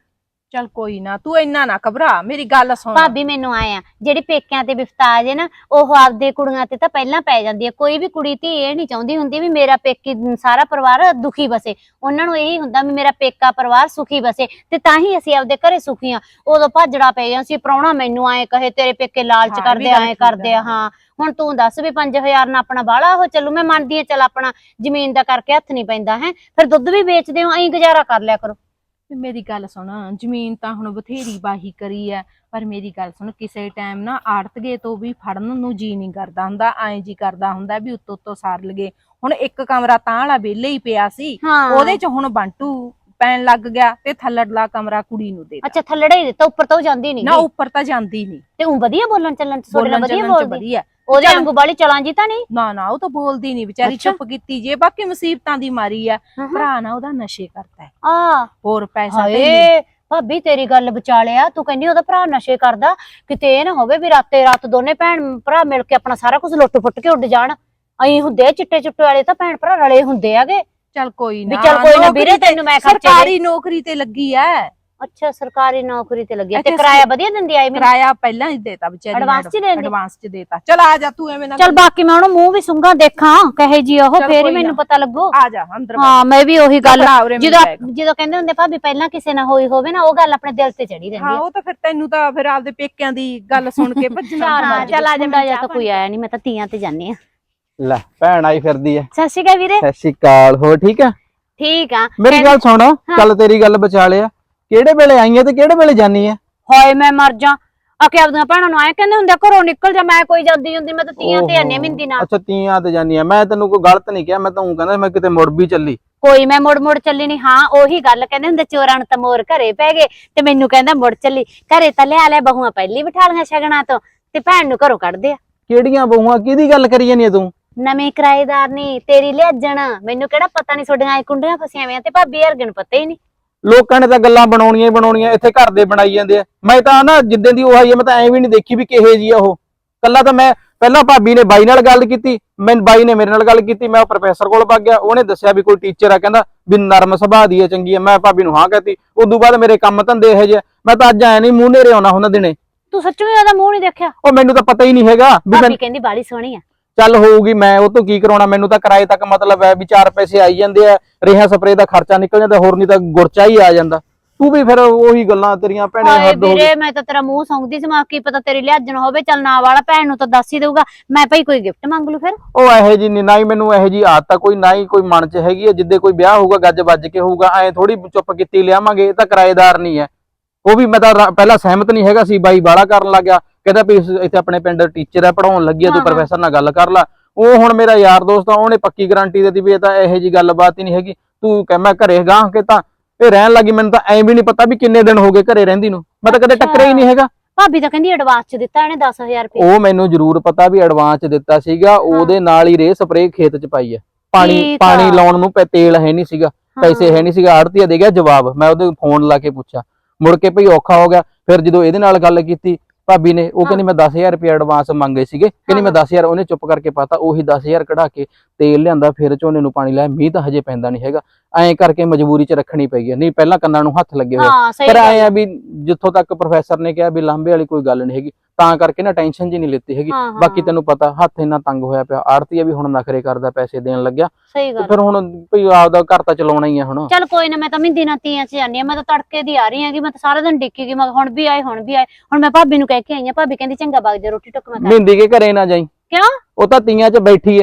ਚੱਲ ਕੋਈ ਨਾ, ਤੂੰ ਇੰਨਾ ਨਾ ਘਬਰਾ, ਮੇਰੀ ਗੱਲ ਸੁਣ। ਭਾਬੀ ਮੈਨੂੰ ਆਏ ਆ ਜਿਹੜੀ ਪੇਕਿਆਂ ਤੇ ਵਿਫਤਾ ਆ ਜੇ ਨਾ, ਉਹ ਆਪਦੇ ਕੁੜੀਆਂ ਤੇ ਤਾਂ ਪਹਿਲਾਂ ਪੈ ਜਾਂਦੀ ਹੈ। ਕੋਈ ਵੀ ਕੁੜੀ ਧੀ ਇਹ ਨਹੀਂ ਚਾਹੁੰਦੀ ਹੁੰਦੀ ਵੀ ਮੇਰਾ ਪੇਕੀ ਸਾਰਾ ਪਰਿਵਾਰ ਦੁਖੀ ਬਸੇ। ਉਹਨਾਂ ਨੂੰ ਇਹੀ ਹੁੰਦਾ ਵੀ ਮੇਰਾ ਪੇਕਾ ਪਰਿਵਾਰ ਸੁਖੀ ਬਸੇ, ਤੇ ਤਾਂ ਹੀ ਅਸੀਂ ਆਪਦੇ ਘਰੇ ਸੁਖੀ ਆ। ਉਦੋਂ ਭਾਜੜਾ ਪੈ ਜਾਂ ਸੀ, ਪ੍ਰਾਹੁਣਾ ਮੈਨੂੰ ਆਏ ਕਹੇ ਤੇਰੇ ਪੇਕੇ ਲਾਲਚ ਹਾਂ, ਇਹ ਵੀ ਕਰਦੇ ਗੱਲ ਆਏ ਠੀਕ ਆ। ਕਰਦੇ ਆ। ਹਾਂ ਹੁਣ ਤੂੰ ਦੱਸ ਵੀ 5000 ਨਾਲ ਆਪਣਾ ਬਾਹਲਾ ਉਹ ਚੱਲੂ। ਮੈਂ ਮੰਨਦੀ ਆ, ਚੱਲ ਆਪਣਾ ਜ਼ਮੀਨ ਦਾ ਕਰਕੇ ਹੱਥ ਨਹੀਂ ਪੈਂਦਾ ਹੈ, ਫਿਰ ਦੁੱਧ ਵੀ ਵੇਚਦੇ ਹੋ, ਐਂ ਗੁਜ਼ਾਰਾ ਕਰ ਲਿਆ ਕਰੋ। ਤੇ ਮੇਰੀ ਗੱਲ ਸੁਣ, ਜ਼ਮੀਨ ਤਾਂ ਹੁਣ ਬਥੇਰੀ ਬਾਹੀ ਕਰੀ ਐ, ਪਰ ਮੇਰੀ ਗੱਲ ਸੁਣ, ਕਿਸੇ ਟਾਈਮ ਨਾ ਆੜਤਗੇ ਤੋਂ ਵੀ ਫੜਨ ਨੂੰ ਜੀ ਨਹੀਂ ਕਰਦਾ ਹੁੰਦਾ, ਐਂ ਜੀ ਕਰਦਾ ਹੁੰਦਾ ਵੀ ਉੱਤੋਂ ਉੱਤੋਂ ਸਾਰ ਲਗੇ। ਹੁਣ ਇੱਕ ਕਮਰਾ ਤਾਂ ਵਾਲਾ ਵਿਹਲੇ ਹੀ ਪਿਆ ਸੀ, ਹਾਂ ਉਹਦੇ ਚ ਹੁਣ ਬੰਟੂ ਪੈਣ ਲੱਗ ਗਿਆ ਤੇ ਥੱਲੜਲਾ ਕਮਰਾ ਕੁੜੀ ਨੂੰ ਦੇ ਅੱਛਾ ਥੱਲੜਾ ਹੀ ਦਿੱਤਾ, ਉੱਪਰ ਤਾਂ ਉਹ ਜਾਂਦੀ ਨਹੀਂ ਨਾ, ਉੱਪਰ ਤਾਂ ਜਾਂਦੀ ਨਹੀਂ। ਤੇ ਉਹ ਵਧੀਆ ਬੋਲਣ ਚੱਲਣ ਚ ਤੁਹਾਡੇ ਨਾਲ ਵਧੀਆ ਚੱਲਣ ਚ ਬੋਲਦੀ, ਵਧੀਆ। ਉਹਦੇ ਵਾਂਗੂ ਬਾਲੀ ਚਲਾਂ ਜੀ ਤਾਂ ਨਹੀਂ। ਨਾ ਉਹ ਤਾਂ ਬੋਲਦੀ ਨਹੀਂ ਵਿਚਾਰੀ, ਅੱਛਾ। ਚੁੱਪ ਕੀਤੀ ਜੇ। ਬਾਕੀ ਮੁਸੀਬਤਾਂ ਦੀ ਮਾਰੀ ਆ, ਭਰਾ ਨਾ ਉਹਦਾ ਨਸ਼ੇ ਕਰਦਾ ਹੈ, ਆ ਹੋਰ ਪੈਸਾ ਤੇ ਹਾਏ ਭਾਬੀ ਤੇਰੀ ਗੱਲ ਵਿਚਾ ਲਿਆ, ਤੂੰ ਕਹਿੰਦੀ ਉਹਦਾ ਭਰਾ ਨਸ਼ੇ ਕਰਦਾ, ਕਿਤੇ ਇਹ ਨਾ ਹੋਵੇ ਵੀ ਰਾਤੇ ਰਾਤ ਦੋਨੇ ਭੈਣ ਭਰਾ ਮਿਲ ਕੇ ਆਪਣਾ ਸਾਰਾ ਕੁਝ ਲੁੱਟ ਫੁੱਟ ਕੇ ਉੱਡ ਜਾਣ। ਅਹੀਂ ਹੁੰਦੇ ਆ ਚਿੱਟੇ ਚੁੱਟੇ ਵਾਲੇ ਤਾਂ ਭੈਣ ਭਰਾ ਰਲੇ ਹੁੰਦੇ ਆਗੇ। ਚੱਲ ਕੋਈ ਵੀ ਨਾ, ਚੱਲ ਕੋਈ ਨਾ ਨੌਕਰੀ ਵੀਰੇ ਤੇ- ਤੈਨੂੰ ਮੈਂ ਖਰਚੇ ਦੇ। ਸਰਕਾਰੀ ਨੌਕਰੀ ਤੇ ਲੱਗੀ ਐ। ਅੱਛਾ ਸਰਕਾਰੀ ਨੌਕਰੀ ਤੇ ਲੱਗੀ ਆ, ਤੇ ਇੱਥੇ ਕਿਰਾਇਆ ਵਧੀਆ ਦਿੰਦੀ ਆਈ ਮੈਨੂੰ? ਕਿਰਾਇਆ ਪਹਿਲਾਂ ਹੀ ਦੇਤਾ ਵਿਚਾਰੀ ਨੇ, ਐਡਵਾਂਸ ਚ ਹੀ ਦਿੰਦੀ? ਐਡਵਾਂਸ ਚ ਦੇਤਾ। ਚਲ ਆ ਜਾ ਤੂੰ, ਐਵੇਂ ਨਾ ਚੱਲ ਬਾਕੀ ਮੈਂ ਉਹਨੂੰ ਮੂੰਹ ਵੀ ਸੁੰਘਾਂ ਦੇਖਾਂ ਕਹੇ ਜੀ ਉਹ, ਚੱਲ ਫੇਰ ਹੀ ਕੋਈ ਮੈਨੂੰ ਨਾ। ਪਤਾ ਲੱਗੂ। ਆ ਜਾ ਅੰਦਰ ਹਾਂ ਮੈਂ ਵੀ ਉਹੀ ਗੱਲ, ਬਣਾ ਉਰੇ ਮਿਲ ਜਾਏਗਾ। ਜਦੋਂ ਕਹਿੰਦੇ ਹੁੰਦੇ ਭਾਬੀ ਪਹਿਲਾਂ ਕਿਸੇ ਨਾਲ ਹੋਈ ਹੋਵੇ ਨਾ, ਉਹ ਗੱਲ ਆਪਣੇ ਦਿਲ ਤੇ ਚੜੀ ਰਹਿੰਦੀ ਹਾਂ ਆ। ਉਹ ਤਾਂ ਫਿਰ ਤੈਨੂੰ ਤਾਂ ਫਿਰ ਆਪਦੇ ਪੇਕਿਆਂ ਦੀ ਗੱਲ ਸੁਣ ਕੇ ਭੱਜਣਾ ਹਾਂ ਚੱਲ ਆ ਜਾਂਦਾ, ਜਾਂ ਤਾਂ ਕੋਈ ਆਇਆ ਨਹੀਂ, ਮੈਂ ਤਾਂ ਤੀਆਂ ਤੇ ਜਾਂਦੀ ਆ। ਲੈ ਭੈਣ ਆਈ ਫਿਰਦੀ ਐ। ਸਤਿ ਸ਼੍ਰੀ ਅਕਾਲ ਵੀਰੇ। ਸਤਿ ਸ਼੍ਰੀ ਅਕਾਲ, ਹੋਰ ਠੀਕ ਆ? ਠੀਕ ਆ। ਮੇਰੀ ਗੱਲ ਸੁਣ, ਚੱਲ ਤੇਰੀ ਗੱਲ ਬਚਾ ਲਿਆ, ਕਿਹੜੇ ਵੇਲੇ ਆਈ ਐ ਤੇ ਕਿਹੜੇ ਵੇਲੇ ਜਾਨੀ ਐ? ਹਾਏ ਮੈਂ ਮਰ ਜਾ, ਆਕੇ ਆਪਦੀਆਂ ਭੈਣਾਂ ਨੂੰ ਆਏ ਕਹਿੰਦੇ ਹੁੰਦੇ ਘਰੋਂ ਨਿਕਲ ਜਾ, ਮੈਂ ਕੋਈ ਜਾਂਦੀ ਹੁੰਦੀ, ਮੈਂ ਤਾਂ ਤੀਆਂ ਤੇ ਆਨੇ ਮਿੰਦੀ ਨਾਲ। ਅੱਛਾ ਤੀਆਂ ਤੇ ਜਾਨੀ ਐ, ਮੈਂ ਤੈਨੂੰ ਕੋਈ ਗਲਤ ਨਹੀਂ ਕਿਹਾ, ਮੈਂ ਤਾਂ ਉਹ ਕਹਿੰਦਾ ਮੈਂ ਕਿਤੇ ਮੁੜ ਵੀ ਚੱਲੀ। ਕੋਈ ਮੈਂ ਮੁੜ ਮੁੜ ਚੱਲੀ ਨਹੀਂ। ਹਾਂ ਉਹੀ ਗੱਲ ਕਹਿੰਦੇ ਹੁੰਦੇ ਚੋਰਾਂ ਨੂੰ ਤਾਂ ਮੋਰ ਘਰੇ ਪੈ ਗਏ, ਤੇ ਮੈਨੂੰ ਕਹਿੰਦਾ ਮੁੜ ਚੱਲੀ। ਘਰੇ ਤਾਂ ਲਿਆ ਬਹੂਆਂ ਪਹਿਲੀ ਬਿਠਾ ਲੀਆਂ ਸ਼ਗਨਾਂ ਤੋਂ, ਤੇ ਭੈਣ ਨੂੰ ਘਰੋਂ ਕੱਢਦੇ ਆ। ਕਿਹੜੀਆਂ ਬਹੂਆਂ, ਕਿਹਦੀ ਗੱਲ ਕਰੀ ਜਾਨੀ ਐ ਤੂੰ? ਨਵੇਂ ਕਿਰਾਏਦਾਰ ਨਹੀਂ ਤੇਰੀ ਲਿਆਜਣ, ਮੈਨੂੰ ਕਿਹੜਾ ਪਤਾ ਨਹੀਂ ਤੁਹਾਡੀਆਂ ਐ ਕੁੰਡੀਆਂ ਫਸੀਆਂ ਹੋਈਆਂ, ਤੇ ਭਾਬੀ ਹਰਗਣ ਪਤਾ ਹੀ ਨਹੀਂ। ਲੋਕਾਂ ਨੇ ਤਾਂ ਗੱਲਾਂ ਬਣਾਉਣੀਆਂ ਹੀ ਬਣਾਉਣੀਆਂ, ਇੱਥੇ ਘਰ ਦੇ ਬਣਾਈ ਜਾਂਦੇ ਆ। ਮੈਂ ਤਾਂ ਨਾ ਜਿੱਦਾਂ ਦੀ ਉਹ ਆਈ ਆ, ਮੈਂ ਤਾਂ ਐਂ ਵੀ ਨਹੀਂ ਦੇਖੀ ਵੀ ਕਿਹੇ ਜੀ ਆ ਉਹ। ਕੱਲਾ ਤਾਂ ਮੈਂ ਪਹਿਲਾਂ ਭਾਬੀ ਨੇ ਬਾਈ ਨਾਲ ਗੱਲ ਕੀਤੀ, ਬਾਈ ਨੇ ਮੇਰੇ ਨਾਲ ਗੱਲ ਕੀਤੀ, ਮੈਂ ਪ੍ਰੋਫੈਸਰ ਕੋਲ ਵਗ ਗਿਆ, ਉਹਨੇ ਦੱਸਿਆ ਵੀ ਕੋਈ ਟੀਚਰ ਆ, ਕਹਿੰਦਾ ਵੀ ਨਰਮ ਸੁਭਾਅ ਦੀ ਹੈ, ਚੰਗੀ ਹੈ। ਮੈਂ ਭਾਬੀ ਨੂੰ ਹਾਂ ਕਹਤੀ। ਉਦੋਂ ਬਾਅਦ ਮੇਰੇ ਕੰਮ ਧੰਦੇ ਇਹੋ ਜਿਹੇ, ਮੈਂ ਤਾਂ ਅੱਜ ਐ ਨਹੀਂ ਮੂੰਹ ਨੇਰੇ ਆਉਣਾ ਹੁੰਦਾ ਦਿਨੇ। ਤੂੰ ਸੱਚੀ ਉਹਦਾ ਮੂੰਹ ਨਹੀਂ ਦੇਖਿਆ? ਉਹ ਮੈਨੂੰ ਤਾਂ ਪਤਾ ਹੀ ਨਹੀਂ ਹੈਗਾ ਵੀ ਭਾਬੀ ਕਹਿੰਦੀ ਬਾਲੀ ਸੋਹਣੀ ਆ। ਚੱਲ ਹੋਊਗੀ, ਮੈਂ ਉਹ ਤੋਂ ਕੀ ਕਰਾਉਣਾ, ਮੈਨੂੰ ਤਾਂ ਕਿਰਾਏ ਤੱਕ ਮਤਲਬ ਹੈ ਵੀ 4 ਪੈਸੇ ਆਈ ਜਾਂਦੇ ਆ, ਰੇਹਾਂ ਸਪਰੇ ਦਾ ਖਰਚਾ ਨਿਕਲ ਜਾਂਦਾ, ਹੋਰ ਨਹੀਂ ਤਾਂ ਗੁਰਚਾ ਹੀ ਆ ਜਾਂਦਾ। ਤੂੰ ਵੀ ਫਿਰ ਉਹੀ ਗੱਲਾਂ ਤੇਰੀਆਂ ਭੈਣੇ ਹਾਏ ਹੱਦ ਹੋ ਗਈ। ਵੀਰੇ ਮੈਂ ਤਾਂ ਤੇਰਾ ਮੂੰਹ ਸੌਂਗਦੀ ਸੀ, ਮੈਂ ਕੀ ਪਤਾ ਤੇਰੀ ਲਿਆਜਣ ਹੋਵੇ। ਚੱਲ ਨਾ ਵਾਲਾ ਭੈਣ ਨੂੰ ਤਾਂ ਦੱਸ ਹੀ ਦੇਊਗਾ, ਮੈਂ ਭਾਈ ਕੋਈ ਗਿਫਟ ਮੰਗ ਲੂ ਫਿਰ। ਉਹ ਇਹੋ ਜੀ ਨਹੀਂ, ਨਾ ਹੀ ਮੈਨੂੰ ਇਹੋ ਜੀ ਆਦਤ ਆ ਕੋਈ, ਨਾ ਹੀ ਕੋਈ ਮਨ ਚ ਹੈਗੀ ਹੈ। ਜਿੱਦੇ ਕੋਈ ਵਿਆਹ ਹੋਊਗਾ ਗੱਜ ਵੱਜ ਕੇ ਹੋਊਗਾ, ਐ ਥੋੜੀ ਚੁੱਪ ਕੀਤੀ ਲਿਆਵਾਂਗੇ। ਇਹ ਤਾਂ ਕਿਰਾਏਦਾਰ ਨਹੀਂ ਹੈ। ਉਹ ਵੀ ਮੈਂ ਤਾਂ ਪਹਿਲਾਂ ਸਹਿਮਤ ਨਹੀਂ ਹੈਗਾ ਸੀ, ਬਾਈ ਬਾਲਾ ਕਰਨ ਲੱਗ ਗਿਆ, ਕਹਿੰਦਾ ਵੀ ਇੱਥੇ ਆਪਣੇ ਪਿੰਡ ਟੀਚਰ ਹੈ, ਪੜਾਉਣ ਲੱਗੀ ਆ, ਤੂੰ ਪ੍ਰੋਫੈਸਰ ਨਾਲ ਗੱਲ ਕਰ ਲੈ। ਉਹ ਹੁਣ ਮੇਰਾ ਯਾਰ ਦੋਸਤ ਆ, ਉਹਨੇ ਪੱਕੀ ਗਾਰੰਟੀ ਦਿੱਤੀ ਵੀ ਇਹ ਤਾਂ ਇਹੋ ਜੀ ਗੱਲਬਾਤ ਹੀ ਨਹੀਂ ਹੈਗੀ। ਤੂੰ ਕਹਿ ਮੈਂ ਘਰੇ ਗਾਂ ਕੇ ਤਾਂ ਇਹ ਰਹਿਣ ਲੱਗੀ, ਮੈਨੂੰ ਤਾਂ ਐਂ ਵੀ ਨਹੀਂ ਪਤਾ ਵੀ ਕਿੰਨੇ ਦਿਨ ਹੋ ਗਏ ਘਰੇ ਰਹਿੰਦੀ ਨੂੰ, ਮੈਂ ਤਾਂ ਕਦੇ ਟੱਕਰਿਆ ਹੀ ਨਹੀਂ ਹੈਗਾ। ਭਾਬੀ ਤਾਂ ਕਹਿੰਦੀ ਐਡਵਾਂਸ ਚ ਦਿੱਤਾ ਇਹਨੇ 10000 ਰੁਪਏ। ਉਹ ਮੈਨੂੰ ਜ਼ਰੂਰ ਪਤਾ ਵੀ ਐਡਵਾਂਸ ਦਿੱਤਾ ਸੀਗਾ, ਉਹਦੇ ਨਾਲ ਹੀ ਰੇ ਸਪਰੇ ਖੇਤ ਚ ਪਾਈ ਹੈ। ਪਾਣੀ ਲਾਉਣ ਨੂੰ ਤੇਲ ਹੈ ਨਹੀਂ ਸੀਗਾ, ਪੈਸੇ ਹੈ ਨਹੀਂ ਸੀਗਾ। ਆੜਤੀਆ ਦੇ ਗਿਆ ਜਵਾਬ, ਮੈਂ ਉਹਦੇ ਫੋਨ ਲਾ ਕੇ ਪੁੱਛਿਆ, ਮੁੜ ਕੇ ਭਈ ਔਖਾ ਹੋ ਗਿਆ। ਫਿਰ ਜਦੋਂ ਇਹਦੇ ਨਾਲ ਗੱਲ ਕੀਤੀ ਭਾਬੀ ਨੇ, ਉਹ ਕਹਿੰਦੀ ਮੈਂ 10000 ਰੁਪਏ ਐਡਵਾਂਸ ਮੰਗੇ ਸੀਗੇ, ਕਹਿੰਦੀ ਮੈਂ 10000, ਉਹਨੇ ਚੁੱਪ ਕਰਕੇ ਪਾਤਾ। ਉਹੀ 10000 ਕਢਾ ਕੇ ਤੇਲ ਲਿਆਂਦਾ, ਫਿਰ ਝੋਨੇ ਨੂੰ ਪਾਣੀ ਲਾਇਆ। ਮੀਂਹ ਤਾਂ ਹਜੇ ਪੈਂਦਾ ਨਹੀਂ ਹੈਗਾ, ਐਂ ਕਰਕੇ ਮਜਬੂਰੀ ਚ ਰੱਖਣੀ ਪਈ ਹੈ। ਨਹੀਂ ਪਹਿਲਾਂ ਕੰਨਾਂ ਨੂੰ ਹੱਥ ਲੱਗੇ ਹੋਏ। ਪਰ ਐਂ ਆ ਵੀ ਜਿੱਥੋਂ ਤੱਕ ਪ੍ਰੋਫੈਸਰ ਨੇ ਕਿਹਾ ਵੀ ਲਾਂਭੇ ਵਾਲੀ ਕੋਈ ਗੱਲ ਨਹੀਂ ਹੈਗੀ, ਤਾਂ ਕਰਕੇ ਨਾ ਟੈਨਸ਼ਨ ਜੀ ਨਹੀਂ ਲਿੱਤੀ ਹੈਗੀ। ਬਾਕੀ ਤੈਨੂੰ ਪਤਾ ਹੱਥ ਇੰਨਾ ਤੰਗ ਹੋਇਆ ਪਿਆ, ਆੜਤੀਆ ਵੀ ਹੁਣ ਨਖਰੇ ਕਰਦਾ, ਪੈਸੇ ਦੇਣ ਲੱਗਿਆ। ਸਹੀ ਗੱਲ। ਫਿਰ ਹੁਣ ਭਈ ਆਪਦਾ ਘਰ ਤਾਂ ਚਲਾਉਣਾ ਹੀ ਆ ਹੁਣ। ਚੱਲ ਕੋਈ ਨਾ, ਮੈਂ ਤਾਂ ਮਹਿੰਦੀ ਨਾਲ ਤੀਆਂ ਚ ਜਾਂਦੀ ਆ। ਮੈਂ ਤਾਂ ਤੜਕੇ ਦੀ ਆ ਰਹੀ ਹੈਗੀ, ਮੈਂ ਤਾਂ ਸਾਰਾ ਦਿਨ ਡਿੱਕੀ ਗਈ, ਮੈਂ ਹੁਣ ਵੀ ਆਏ ਹੁਣ ਵੀ ਆਏ। ਹੁਣ ਮੈਂ ਭਾਬੀ ਨੂੰ ਕਹਿ ਕੇ ਆਈ ਆ, ਭਾਬੀ ਕਹਿੰਦੀ ਚੰਗਾ ਵਗ ਜਾ, ਰੋਟੀ ਟੁੱਕ ਮੈਂ ਕਰ। ਮਹਿੰਦੀ ਕੇ ਘਰੇ ਨਾ ਜਾਈ। ਕਿਉਂ? ਉਹ ਤਾਂ ਤੀਆਂ 'ਚ ਬੈਠੀ ਐ।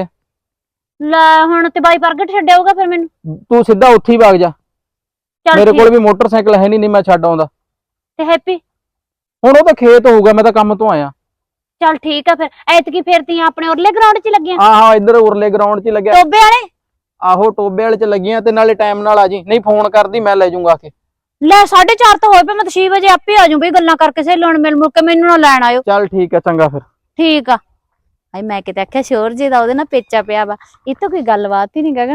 ਲੈ ਹੁਣ ਤੇ ਬਾਈ ਪ੍ਰਗਟ ਛੱਡਿਆਊਗਾ ਫਿਰ ਮੈਨੂੰ। ਤੂੰ ਸਿੱਧਾ ਉੱਥੇ ਹੀ ਵਗ ਜਾ, ਮੇਰੇ ਕੋਲ ਵੀ ਮੋਟਰਸਾਈਕਲ ਹੈ ਨਹੀਂ, ਮੈਂ ਛੱਡ ਆਉਂਦਾ। ਤੇ ਹੈਪੀ ਹੁਣ ਉਹ ਤਾਂ ਖੇਤ ਹੋਊਗਾ, ਮੈਂ ਤਾਂ ਕੰਮ ਤੋਂ ਆਇਆ। ਚੱਲ ਠੀਕ ਆ ਫਿਰ, ਐਤਕੀ ਫਿਰ ਤੀਆਂ ਆਪਣੇ ਉਰਲੇ ਗਰਾਊਂਡ 'ਚ ਲੱਗੀਆਂ? ਹਾਂ ਇੱਧਰ ਉਰਲੇ ਗਰਾਊਂਡ 'ਚ ਲੱਗਿਆ। ਟੋਬੇ ਵਾਲੇ? ਆਹੋ ਟੋਬੇ ਵਾਲੇ 'ਚ ਲੱਗੀਆਂ, ਤੇ ਨਾਲੇ ਟਾਈਮ ਨਾਲ ਆ ਜੀ, ਨਹੀਂ ਫੋਨ ਕਰਦੀ ਮੈਂ ਲੈ ਜਾਊਂਗਾ ਆ ਕੇ। ਲੈ 4:30 ਤਾਂ ਹੋਏ ਪਏ, ਮੈਂ ਤਾਂ 6 ਵਜੇ ਆਪੇ ਆ ਜਾਊਂ ਬਈ, ਗੱਲਾਂ ਕਰਕੇ ਸਹੇਲਣ ਮਿਲ ਮੁਲ ਕੇ, ਮੈਨੂੰ ਨਾ ਲੈਣ ਆਇਓ। ਚੱਲ ਠੀਕ ਹੈ, ਚੰਗਾ ਫਿਰ। ਠੀਕ ਆ। ਹਾਏ ਮੈਂ ਕਿਤੇ ਆਖਿਆ ਸ਼ੋਰ ਜੀ ਦਾ ਉਹਦੇ ਨਾਲ ਪੇਚਾ ਪਿਆ ਵਾ, ਇਹ ਤਾਂ ਕੋਈ ਗੱਲਬਾਤ ਹੀ ਨਹੀਂ ਗਗਨ।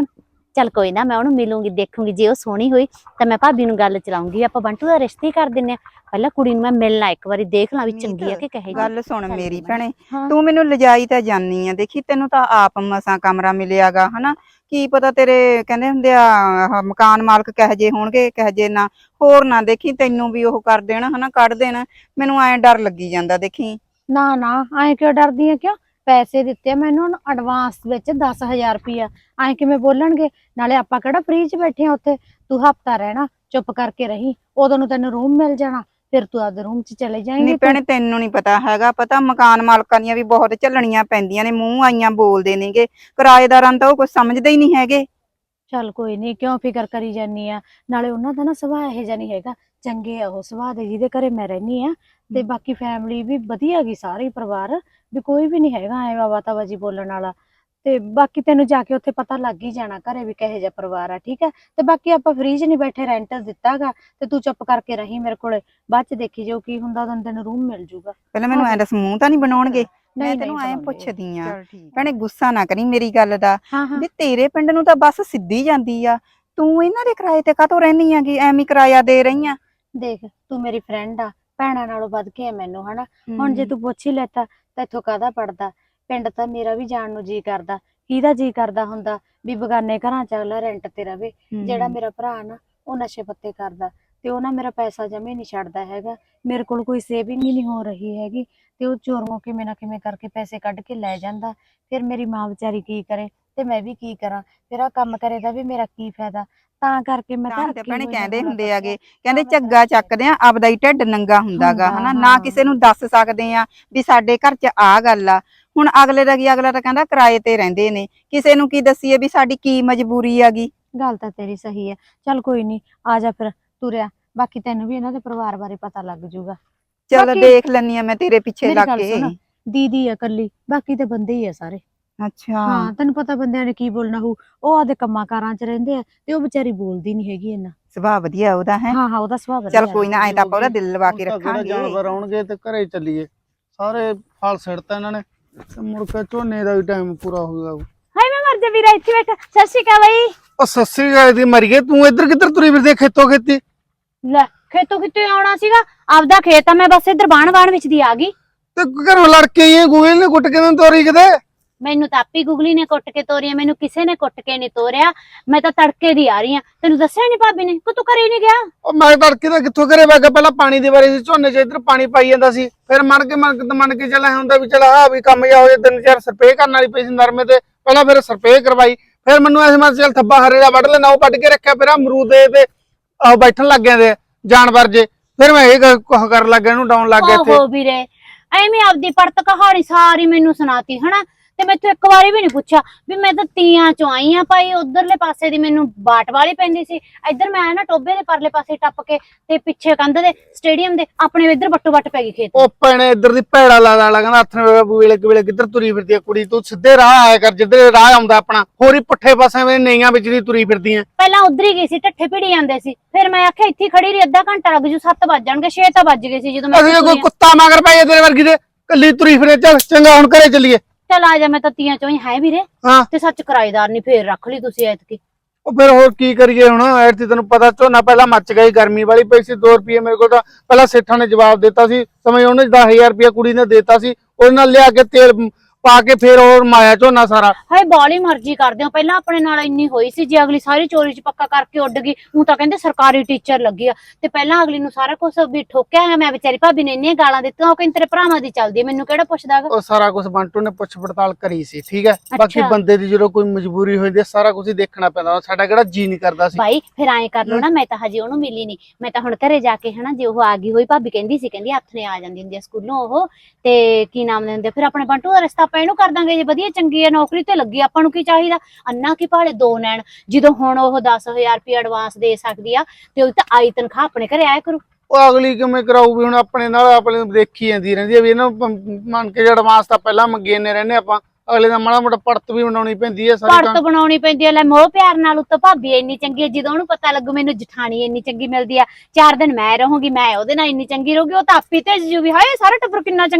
ਚੱਲ ਕੋਈ ਨਾ, ਮੈਂ ਉਹਨੂੰ ਮਿਲੂੰਗੀ, ਦੇਖੂੰਗੀ, ਜੇ ਉਹ ਸੋਹਣੀ ਹੋਈ ਤਾਂ ਮੈਂ ਭਾਬੀ ਨੂੰ ਗੱਲ ਚਲਾਉਂਗੀ, ਆਪਾਂ ਬੰਟੂ ਦਾ ਰਿਸ਼ਤਾ ਹੀ ਕਰ ਦਿੰਨੇ ਆ। ਪਹਿਲਾਂ ਕੁੜੀ ਨੂੰ ਮੈਂ ਮਿਲਣਾ ਇੱਕ ਵਾਰੀ, ਦੇਖ ਲਾਂ ਵੀ ਚੰਗੀ ਆ ਕਿ ਕਹੇ ਜੀ। ਗੱਲ ਸੁਣ ਚੱਲ ਮੇਰੀ ਕੋਈ ਨਾ। ਭੈਣੇ, ਹਾਂ। ਤੂੰ ਮੈਨੂੰ ਲਿਜਾਈ ਤਾਂ ਜਾਨੀ ਆ, ਦੇਖੀ ਤੈਨੂੰ ਤਾਂ ਆਪ ਮਸਾਂ ਕਮਰਾ ਮਿਲਿਆਗਾ ਹਨਾ, ਕੀ ਪਤਾ ਤੇਰੇ ਕਹਿੰਦੇ ਹੁੰਦੇ ਆ ਆਹ ਮਕਾਨ ਮਾਲਕ ਕਹੇ ਜੇ ਹੋਣਗੇ ਕਹੇ ਜੇ ਨਾ, ਹੋਰ ਨਾ ਦੇਖੀ ਤੈਨੂੰ ਵੀ ਉਹ ਕਰ ਦੇਣ ਹਨਾ, ਕੱਢ ਦੇਣ, ਮੈਨੂੰ ਐਂ ਡਰ ਲੱਗੀ ਜਾਂਦਾ ਦੇਖੀ। ਨਾ ਨਾ, ਐਂ ਕਿਉਂ ਡਰਦੀ ਆ? ਕਿਉਂ? ਪੈਸੇ ਦਿੱਤੇ ਮੈਨੂੰ ਐਡਵਾਂਸ ਵਿੱਚ 10,000 ਰੁਪਇਆ, ਐਂ ਕਿਵੇਂ ਬੋਲਣਗੇ? ਨਾਲੇ ਆਪਾਂ ਕਿਹੜਾ ਫ੍ਰੀ 'ਚ ਬੈਠੇ ਆ ਉੱਥੇ, ਤੂੰ ਹਫਤਾ ਰਹਿਣਾ, ਚੁੱਪ ਕਰਕੇ ਰਹੀ, ਉਦੋਂ ਨੂੰ ਤੈਨੂੰ ਰੂਮ ਮਿਲ ਜਾਣਾ, ਫਿਰ ਤੂੰ ਆਪਦੇ ਰੂਮ 'ਚ ਚਲੇ ਜਾਏਂਗੀ। ਨਹੀਂ ਭੈਣੇ ਤੈਨੂੰ ਨਹੀਂ ਪਤਾ ਹੈਗਾ, ਪਤਾ ਮਕਾਨ ਮਾਲਕਾਂ ਦੀਆਂ ਵੀ ਬਹੁਤ ਝੱਲਣੀਆਂ ਪੈਂਦੀਆਂ ਨੇ, ਮੂੰਹ ਆਈਆਂ ਬੋਲਦੇ ਨੇਗੇ, ਕਿਰਾਏਦਾਰਾਂ ਤਾਂ ਉਹ ਕੁਝ ਸਮਝਦੇ ਹੀ ਨਹੀਂ ਹੈਗੇ। ਚੱਲ ਕੋਈ ਨਹੀਂ, ਕਿਉਂ ਫਿਕਰ ਕਰੀ ਜਾਨੀ ਆ? ਨਾਲੇ ਉਹਨਾਂ ਦਾ ਨਾ ਸੁਭਾਅ ਇਹੋ ਜਿਹਾ ਨਹੀਂ ਹੈਗਾ, ਚੰਗੇ ਆ ਉਹ ਸੁਭਾਅ ਦੇ, ਜਿਹਦੇ ਘਰੇ ਮੈਂ ਰਹਿਨੀ ਆ। ਤੇ ਬਾਕੀ ਫੈਮਿਲੀ ਵੀ ਵਧੀਆ ਗਈ, ਸਾਰੇ ਪਰਿਵਾਰ ਵੀ ਕੋਈ ਵੀ ਨਹੀਂ ਹੈਗਾ ਐ ਵਾਵਾ ਤਵਾਜੀ ਬੋਲਣ ਵਾਲਾ। ਤੇ ਬਾਕੀ ਤੈਨੂੰ ਜਾ ਕੇ ਉੱਥੇ ਪਤਾ ਲੱਗ ਹੀ ਜਾਣਾ ਘਰੇ ਵੀ ਕਿਹੋ ਜਿਹਾ ਪਰਿਵਾਰ ਆ, ਠੀਕ ਹੈ? ਤੇ ਬਾਕੀ ਆਪਾਂ ਫ੍ਰੀ 'ਚ ਨਹੀਂ ਬੈਠੇ, ਰੈਂਟ ਦਿੱਤਾਗਾ, ਤੇ ਤੂੰ ਚੁੱਪ ਕਰਕੇ ਰਹੀ ਮੇਰੇ ਕੋਲੇ, ਬਾਅਦ 'ਚ ਦੇਖੀ ਜੋ ਕੀ ਹੁੰਦਾ, ਉਦੋਂ ਤੈਨੂੰ ਰੂਮ ਮਿਲ ਜੂਗਾ। ਪਹਿਲਾਂ ਮੈਨੂੰ ਐਂ ਦੱਸ, ਮੂੰਹ ਤਾਂ ਨਹੀਂ ਬਣਾਉਣਗੇ? ਮੈਂ ਨਹੀਂ ਤੈਨੂੰ ਐਂ ਬਣਾਉਂਦੇ। ਪੁੱਛਦੀ ਆ ਚੱਲ ਠੀਕ ਭੈਣੇ, ਗੁੱਸਾ ਨਾ ਕਰੀ ਮੇਰੀ ਗੱਲ ਦਾ, ਹਾਂ ਹਾਂ। ਵੀ ਤੇਰੇ ਪਿੰਡ ਨੂੰ ਤਾਂ ਬੱਸ ਸਿੱਧੀ ਜਾਂਦੀ ਆ, ਤੂੰ ਇਹਨਾਂ ਦੇ ਕਿਰਾਏ ਤੇ ਕਾਹਤੋਂ ਰਹਿਨੀ ਆਗੀ, ਐਵੇਂ ਕਿਰਾਇਆ ਦੇ ਰਹੀ ਆ? ਦੇਖ, ਤੂੰ ਮੇਰੀ ਫਰੈਂਡ ਆ, ਭੈਣਾਂ ਨਾਲੋਂ ਵੱਧ ਕੇ ਆ ਮੈਨੂੰ, ਹਨਾ? ਹੁਣ ਜੇ ਤੂੰ ਪੁੱਛ ਹੀ ਲੈਤਾ ਤਾਂ ਇੱਥੋਂ ਕਾਹਦਾ ਪੜਦਾ? ਪਿੰਡ ਤਾਂ ਮੇਰਾ ਵੀ ਜਾਣ ਨੂੰ ਜੀ ਕਰਦਾ, ਕਿਹਦਾ ਜੀ ਕਰਦਾ ਹੁੰਦਾ ਵੀ ਬਗਾਨੇ ਘਰਾਂ ਚ ਅਗਲਾ ਰੈਂਟ ਤੇ ਰਵੇ। ਜਿਹੜਾ ਮੇਰਾ ਭਰਾ ਨਾ, ਉਹ ਨਸ਼ੇ ਪੱਤੇ ਕਰਦਾ, ਤੇ ਉਹ ਨਾ ਮੇਰਾ ਪੈਸਾ ਜਮੇ ਨਹੀਂ ਛੱਡਦਾ ਹੈਗਾ, ਮੇਰੇ ਕੋਲ ਕੋਈ ਸੇਵਿੰਗ ਹੀ ਨਹੀਂ ਹੋ ਰਹੀ ਹੈਗੀ, ਤੇ ਉਹ ਚੋਰੋਂ ਕਿਵੇਂ ਨਾ ਕਿਵੇਂ ਕਰਕੇ ਪੈਸੇ ਕੱਢ ਕੇ ਲੈ ਜਾਂਦਾ। ਫਿਰ ਮੇਰੀ ਮਾਂ ਵਿਚਾਰੀ ਕੀ ਕਰੇ ਤੇ ਮੈਂ ਵੀ ਕੀ ਕਰਾਂ? ਫਿਰ ਆਹ ਕੰਮ ਕਰੇ ਦਾ ਵੀ ਮੇਰਾ ਕੀ ਫਾਇਦਾ? ਤਾਂ ਕਰਕੇ ਮੈਂ ਤਾਂ ਤਾਂ ਹੀ ਤਾਂ ਅੱਕੀ ਭੈਣੇ ਹੋਈ ਆ ਕਹਿੰਦੇ ਹੁਣ ਹੁੰਦੇ ਤਾਂ। ਆਗੇ, ਕਹਿੰਦੇ ਝੱਗਾ ਚੱਕਦੇ ਆ ਆਪਦਾ ਹੀ ਢਿੱਡ ਨੰਗਾ ਹੁੰਦਾਗਾ ਹੁੰਦਾ, ਹਨਾ, ਨਾ ਹਾਂ। ਕਿਸੇ ਨੂੰ ਦੱਸ ਸਕਦੇ ਆ ਵੀ ਸਾਡੇ ਘਰ 'ਚ ਆ ਗੱਲ ਆ। ਹੁਣ ਅਗਲੇ ਦਾ ਕੀ, ਅਗਲਾ ਤਾਂ ਕਹਿੰਦਾ ਕਿਰਾਏ ਤੇ ਰਹਿੰਦੇ ਨੇ, ਕਿਸੇ ਨੂੰ ਕੀ ਦੱਸੀਏ ਵੀ ਸਾਡੀ ਕੀ ਮਜਬੂਰੀ ਆਗੀ। ਗੱਲ ਤਾਂ ਤੇਰੀ ਸਹੀ ਹੈ, ਚੱਲ ਕੋਈ ਨਹੀਂ, ਆ ਜਾ ਫਿਰ ਤੁਰਿਆ, ਬਾਕੀ ਤੈਨੂੰ ਵੀ ਇਹਨਾਂ ਦੇ ਪਰਿਵਾਰ ਬਾਰੇ ਪਤਾ ਲੱਗ ਜੂਗਾ। ਚਲ ਬਾਕੀ ਦੇਖ ਲੈਨੀ ਆ ਮੈਂ ਤੇਰੇ ਪਿੱਛੇ ਮੇਰੀ ਲੱਗ ਗੱਲ ਕੇ। ਸੁਣ, ਦੀਦੀ ਆ ਕੱਲੀ, ਬਾਕੀ ਤੇ ਬੰਦੇ ਹੀ ਆ ਸਾਰੇ। ਅੱਛਾ ਹਾਂ, ਤੈਨੂੰ ਪਤਾ ਬੰਦਿਆਂ ਨੇ ਕੀ ਬੋਲਣਾ ਹੋਊ, ਉਹ ਆਦੇ ਕੰਮਾਂ ਕਾਰਾਂ 'ਚ ਰਹਿੰਦੇ ਆ, ਤੇ ਉਹ ਵਿਚਾਰੀ ਬੋਲਦੀ ਨਹੀਂ ਹੈਗੀ ਇੰਨਾ। ਸੁਭਾਅ ਵਧੀਆ ਉਹਦਾ ਹੈ। ਹਾਂ ਹਾਂ, ਉਹਦਾ ਸੁਭਾਅ ਵਧੀਆ ਚਲ ਕੋਈ ਨਾ, ਐ ਤਾਂ ਆਪਾਂ ਉਹਦਾ ਦਿਲ ਲਵਾ ਕੇ ਹੁਣ ਤਾਂ ਕਿਹੜਾ ਰੱਖਾਂਗੇ। ਜਾਨਵਰ ਆਉਣਗੇ ਤੇ ਘਰੇ ਚੱਲੀਏ, ਸਾਰੇ ਫਲ ਸਿੱਟਤਾ ਇਹਨਾਂ ਨੇ, ਤੇ ਮੁੜ ਕੇ ਝੋਨੇ ਦਾ ਵੀ ਟਾਈਮ ਪੂਰਾ ਹੋ ਗਿਆ। ਹਾਏ ਮੈਂ ਮਰ ਜਾ ਵੀਰਾ, ਇੱਥੇ ਬੈਠ। ਸਤਿ ਸ਼੍ਰੀ ਅਕਾਲ ਬਈ। ਉਹ ਸੱਸੀ ਗਾਇ ਦੀ ਮਰ ਗਈ, ਤੂੰ ਇੱਧਰ ਕਿੱਧਰ ਤੁਰੀ ਫਿਰਦੀ ਖੇਤੋਂ ਖੇਤੀ? ਲੈ, ਖੇਤੋਂ ਕਿਤੇ ਆਉਣਾ ਸੀਗਾ, ਆਪਦਾ ਖੇਤ ਆ, ਮੈਂ ਬਸ ਇੱਧਰ ਬਾਣ ਵਿੱਚ ਦੀ ਆ ਗਈ। ਤੇ ਘਰੋਂ ਲੜ ਕੇ ਆਈ ਗੋਇਲ ਨੇ ਗੁੱਟ ਕੇ ਤੈਨੂੰ ਤੋਰੀ ਕਿਤੇ? ਮੈਨੂੰ ਤਾਂ ਆਪੀ ਗੁਗਲੀ ਨੇ ਕੁੱਟ ਕੇ ਤੋਰੀ, ਮੈਨੂੰ ਕਿਸੇ ਨੇ ਕੁੱਟ ਕੇ ਨਹੀਂ ਤੋਰਿਆ, ਮੈਂ ਤਾਂ ਤੜਕੇ ਦੀ ਆ ਰਹੀ ਆ। ਤੈਨੂੰ ਦੱਸਿਆ ਨਹੀਂ ਭਾਬੀ ਨੇ ਕਿ ਤੂੰ ਘਰੇ ਨਹੀਂ ਗਿਆ? ਉਹ ਮੈਂ ਤੜਕੇ ਦਾ ਕਿੱਥੋਂ ਘਰੇ ਵਗ ਗਿਆ, ਪਹਿਲਾਂ ਪਾਣੀ ਦੇ ਬਾਰੇ ਸੀ, ਝੋਨੇ 'ਚ ਇੱਧਰ ਪਾਣੀ ਪਾਈ ਜਾਂਦਾ ਸੀ, ਫਿਰ ਮੰਨ ਕੇ ਚੱਲ ਹੁੰਦਾ ਵੀ ਚਲ ਹਾਂ ਵੀ ਕੰਮ ਜਾ ਹੋ ਜਾ, 3-4 ਸਰਪੇ ਕਰਨ ਵਾਲੀ ਪਈ ਸੀ ਨਰਮੇ ਤੇ, ਪਹਿਲਾਂ ਫਿਰ ਸਰਪੇ ਕਰਵਾਈ, ਫਿਰ ਮੈਨੂੰ ਐਸ ਮੈਂ ਚੱਲ ਥੱਬਾ ਹਰੇ ਦਾ ਵੱਢ ਲੈਣਾ, ਉਹ ਵੱਢ ਕੇ ਰੱਖਿਆ, ਫਿਰ ਅਮਰੂਦ ਦੇ ਤੇ ਆਹ ਬੈਠਣ ਲੱਗ ਗਏ ਜਾਨਵਰ ਜੇ, ਫਿਰ ਮੈਂ ਇਹ ਕਰਨ ਲੱਗ ਗਿਆ, ਇਹਨੂੰ ਡਾਉਣ ਲੱਗ ਗਿਆ ਇੱਥੇ। ਓਹੋ ਵੀਰੇ, ਐਵੇਂ ਆਪਦੀ ਪੜਤ ਕਹਾਣੀ ਸਾਰੀ ਮੈਨੂੰ ਸੁਣਾਤੀ ਹਨਾ, ਤੇ ਮੈਥੋਂ ਇੱਕ ਵਾਰੀ ਵੀ ਨਹੀਂ ਪੁੱਛਿਆ ਵੀ ਮੈਂ ਤਾਂ ਤੀਆਂ ਚੋਂ ਆਈ ਆ ਭਾਈ। ਉਧਰਲੇ ਪਾਸੇ ਦੀ ਮੈਨੂੰ ਬਾਟ ਵਾਲੀ ਪੈਂਦੀ ਸੀ, ਇੱਧਰ ਮੈਂ ਨਾ ਟੋਬੇ ਦੇ ਪਰਲੇ ਪਾਸੇ ਟੱਪ ਕੇ ਤੇ ਪਿੱਛੇ ਕੰਧ ਦੇ ਸਟੇਡੀਅਮ ਦੇ ਆਪਣੇ ਇੱਧਰ ਬੱਟੋ ਬੱਟ ਪੈ ਗਈ ਖੇਤ। ਉਹ ਭੈਣੇ ਇੱਧਰ ਦੀ ਭੈੜਾ ਲਾ ਕਹਿੰਦਾ ਹੱਥ ਵੇਲੇ ਵੇਲੇ ਕਿੱਧਰ ਤੁਰੀ ਫਿਰਦੀ ਆ ਕੁੜੀ, ਤੂੰ ਸਿੱਧੇ ਰਾਹ ਆਇਆ ਕਰ ਜਿੱਧਰ ਰਾਹ ਆਉਂਦਾ ਆਪਣਾ, ਹੋਰ ਹੀ ਪੁੱਠੇ ਪਾਸੇ ਵਿੱਚ ਨਈਆਂ ਵਿੱਚ ਦੀ ਤੁਰੀ ਫਿਰਦੀ ਆ। ਪਹਿਲਾਂ ਉਧਰ ਹੀ ਗਈ ਸੀ, ਢੱਠੇ ਭਿੜੀ ਜਾਂਦੇ ਸੀ, ਫਿਰ ਮੈਂ ਆਖਿਆ ਇੱਥੇ ਖੜੀ ਰਹੀ, ਅੱਧਾ ਘੰਟਾ ਲੱਗ ਜੂ, 7 ਵੱਜ ਜਾਣਗੇ, 6 ਤਾਂ ਵੱਜ ਗਏ ਸੀ ਜਦੋਂ ਮੈਂ ਅਸੀਂ ਕੋਈ ਕੁੱਤਾ ਮਗਰ ਪੈ ਤੇਰੇ ਵਰਗੀ ਦੇ, ਕੱਲੀ ਤੁਰੀ ਫਿਰੇ। ਚੱਲ ਚੰਗਾ ਹੁਣ ਘਰੇ ਚੱਲੀਏ। ਚੱਲ ਆ ਜਾ, ਮੈਂ ਤਾਂ ਤੀਆਂ ਚੋਂ ਹੀ ਹੈ ਵੀਰੇ। ਹਾਂ ਤੇ ਸੱਚ ਕਿਰਾਏਦਾਰ ਨਹੀਂ ਫੇਰ ਰੱਖ ਲਈ ਤੁਸੀਂ ਐਤਕੀ? ਉਹ ਫਿਰ ਹੋਰ ਕੀ ਕਰੀਏ ਹੁਣ, ਐਤਕੀ ਤੈਨੂੰ ਪਤਾ ਝੋਨਾ ਪਹਿਲਾਂ ਮੱਚ ਗਈ, ਗਰਮੀ ਵਾਲੀ ਪਈ ਸੀ, 2 ਰੁਪਏ ਮੇਰੇ ਕੋਲ ਤਾਂ ਪਹਿਲਾਂ ਸੇਠਾਂ ਨੇ ਜਵਾਬ ਦਿੱਤਾ ਸੀ, ਸਮਝ ਉਹਨੇ 10,000 ਰੁਪਇਆ ਕੁੜੀ ਨੇ ਦਿੱਤਾ ਸੀ, ਉਹਦੇ ਨਾਲ ਲਿਆ ਕੇ ਤੇਲ ਪਾ ਕੇ ਫਿਰ ਹੋਰ ਮਾਇਆ ਝੋਨਾ ਸਾਰਾ। ਹਾਏ ਬਾਲੀ ਮਰਜ਼ੀ ਕਰਦੇ ਹੋ, ਪਹਿਲਾਂ ਆਪਣੇ ਨਾਲ ਇੰਨੀ ਹੋਈ ਸੀ, ਜੇ ਅਗਲੀ ਸਾਰੀ ਚੋਰੀ ਚ ਪੱਕਾ ਕਰਕੇ ਉੱਡ ਗਈ। ਉਹ ਤਾਂ ਕਹਿੰਦੇ ਸਰਕਾਰੀ ਟੀਚਰ ਲੱਗੀ ਆ, ਤੇ ਪਹਿਲਾਂ ਅਗਲੀ ਨੂੰ ਸਾਰਾ ਕੁਝ ਵੀ ਠੋਕਿਆ ਹੈ। ਮੈਂ ਵਿਚਾਰੀ ਭਾਬੀ ਨੇ ਇੰਨੀਆਂ ਗਾਲਾਂ ਦਿੱਤੀਆਂ, ਉਹ ਕਹਿੰਦੇ ਤੇਰੇ ਭਰਾਵਾਂ ਦੀ ਚੱਲਦੀ, ਮੈਨੂੰ ਕਿਹੜਾ ਪੁੱਛਦਾ ਗਾ। ਉਹ ਸਾਰਾ ਕੁਝ ਬੰਟੂ ਨੇ ਪੁੱਛ ਪੜਤਾਲ ਕਰੀ ਸੀ, ਠੀਕ ਹੈ। ਬਾਕੀ ਬੰਦੇ ਦੀ ਜਦੋਂ ਕੋਈ ਮਜਬੂਰੀ ਹੋਈ ਦੀ ਸਾਰਾ ਕੁਝ ਹੀ ਦੇਖਣਾ ਪੈਂਦਾ, ਸਾਡਾ ਕਿਹੜਾ ਜੀ ਨਹੀਂ ਕਰਦਾ ਸੀ। ਭਾਈ ਫਿਰ ਐਂ ਕਰ ਲੋ ਨਾ, ਮੈਂ ਤਾਂ ਹਜੇ ਉਹਨੂੰ ਮਿਲੀ ਨਹੀਂ, ਮੈਂ ਤਾਂ ਹੁਣ ਘਰੇ ਜਾ ਕੇ ਹਨਾ, ਜੇ ਉਹ ਆ ਗਈ ਹੋਈ, ਭਾਬੀ ਕਹਿੰਦੀ ਸੀ, ਕਹਿੰਦੀ ਹੱਥ ਨੇ ਆ ਜਾਂਦੀ ਹੁੰਦੀ ਆ ਸਕੂਲੋਂ ਉਹ, ਤੇ ਕੀ ਨਾਮ ਲੈਂਦੇ, ਫਿਰ ਆਪਣੇ ਬੰਟੂ ਦਾ ਰਿਸ਼ਤਾ ਆਪਾਂ ਇਹਨੂੰ ਕਰ ਦਾਂਗੇ, ਜੇ ਵਧੀਆ ਚੰਗੀ ਹੈ, ਨੌਕਰੀ ਤੇ ਲੱਗੀ, ਆਪਾਂ ਨੂੰ ਕੀ ਚਾਹੀਦਾ? ਅੰਨਾ ਕੀ ਭਾਲੇ 2 ਨੈਣ, ਜਦੋਂ ਹੁਣ ਉਹ 10,000 ਰੁਪਏ ਐਡਵਾਂਸ ਦੇ ਸਕਦੀ ਆ, ਤੇ ਉਹ ਤਾਂ ਆਈ ਤਨਖਾਹ ਆਪਣੇ ਘਰੇ ਆਇਆ ਕਰੂ। ਉਹ ਅਗਲੀ ਕਿਵੇਂ ਕਰਾਊ ਵੀ, ਹੁਣ ਆਪਣੇ ਨਾਲ ਆਪਣੇ ਦੇਖੀ ਜਾਂਦੀ ਰਹਿੰਦੀ ਹੈ ਵੀ ਇਹਨਾਂ ਮੰਨ ਕੇ ਐਡਵਾਂਸ ਤਾਂ ਪਹਿਲਾਂ ਮੰਗੇ ਨੇ ਰਹਿੰਦੇ ਆਪਾਂ, ਅਗਲੇ ਦਾ ਮਾੜਾ ਮੋਟਾ ਪੜਤ ਵੀ ਬਣਾਉਣੀ ਪੈਂਦੀ ਹੈ, ਸਾਰੀ ਪੜਤ ਬਣਾਉਣੀ ਪੈਂਦੀ ਹੈ। ਲੈ ਮੋਹ ਪਿਆਰ ਨਾਲ ਉੱਤੋਂ ਭਾਬੀ ਇੰਨੀ ਚੰਗੀ ਹੈ, ਜਦੋਂ ਉਹਨੂੰ ਪਤਾ ਲੱਗੂ ਮੈਨੂੰ ਜਠਾਣੀ ਇੰਨੀ ਚੰਗੀ ਮਿਲਦੀ ਆ, 4 ਦਿਨ ਮੈਂ ਰਹੂੰਗੀ, ਮੈਂ ਉਹਦੇ ਨਾਲ ਇੰਨੀ ਚੰਗੀ ਰਹੂਗੀ, ਉਹ ਤਾਂ ਆਪੀ ਤੇ ਜੂ ਵੀ ਹਾਏ ਸਾਰਾ ਟੱਬਰ ਕਿੰਨਾ ਚੰਗਾ।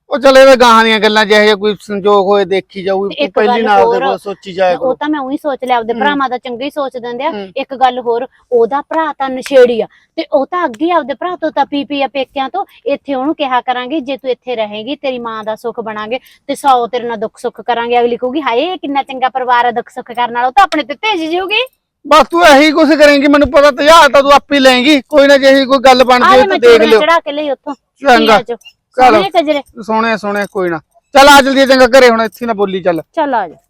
ਉਹ ਚੱਲ ਇਹਦੇ ਗਾਹਾਂ ਦੀਆਂ ਗੱਲਾਂ ਜਿਹੇ ਜਿਹੇ ਕੋਈ ਸੰਜੋਗ ਹੋਏ ਦੇਖੀ ਜਾਊ, ਤੇ ਇੱਕ ਪਹਿਲੀ ਗੱਲ ਨਾਲ ਦੇ ਹੋਰ, ਕੋਲ ਸੋਚੀ ਜਾਇਆ ਕਰੋ। ਉਹ ਤਾਂ ਮੈਂ ਉਹੀ ਸੋਚ ਲਿਆ, ਆਪਦੇ ਹੂੰ। ਭਰਾਵਾਂ ਦਾ ਚੰਗਾ ਹੀ ਸੋਚ ਦਿੰਦੇ ਆ। ਹੂੰ। ਇੱਕ ਗੱਲ ਹੋਰ, ਉਹਦਾ ਭਰਾ ਤਾਂ ਨਸ਼ੇੜੀ ਆ, ਤੇ ਉਹ ਤਾਂ ਅੱਗੇ ਆਪਦੇ ਭਰਾ ਤੋਂ ਤਾਂ ਪੀ ਆ ਪੇਕਿਆਂ ਤੋਂ। ਇੱਥੇ ਉਹਨੂੰ ਕਿਹਾ ਕਰਾਂਗੇ ਜੇ ਤੂੰ ਇੱਥੇ ਰਹੇਗੀ ਤੇਰੀ ਮਾਂ ਦਾ ਸੁੱਖ ਬਣਾਂਗੇ ਤੇ 100 ਤੇਰੇ ਨਾਲ ਦੁੱਖ ਸੁੱਖ ਕਰਾਂਗੇ। ਅਗਲੀ ਕਹੂਗੀ ਹਾਏ ਕਿੰਨਾ ਚੰਗਾ ਪਰਿਵਾਰ ਆ, ਦੁੱਖ ਸੁੱਖ ਕਰਨ ਨਾਲ ਉਹ ਤਾਂ ਆਪਣੇ ਤੇ ਭੇਜ ਜਾਊਗੀ। ਬਸ ਤੂੰ ਇਹੀ ਕੁਛ ਕਰੇਂਗੀ, ਮੈਨੂੰ ਪਤਾ ਤੇਜ਼ਾਰ ਤਾਂ ਤੂੰ ਆਪੇ ਲਏਂਗੀ। ਕੋਈ ਨਾ ਜਿਹੀ ਕੋਈ ਗੱਲ ਬਣ ਆਹ ਜੇ ਮੈਂ ਤੂੰ ਦੇਖ ਲਿਓ। ਚੜਾ ਕੇ ਲਈ ਉੱਥੋਂ ਚੰਗਾ ਚਲੋ ਚਲੋ, ਸੋਹਣੇ ਸੋਹਣੇ ਕੋਈ ਨਾ। ਚੱਲ ਆ ਜਲਦੀ, ਚੰਗਾ ਘਰੇ ਹੁਣ ਇੱਥੇ ਨਾ ਬੋਲੀ ਚੱਲ। ਚੱਲ ਆ ਜਾ।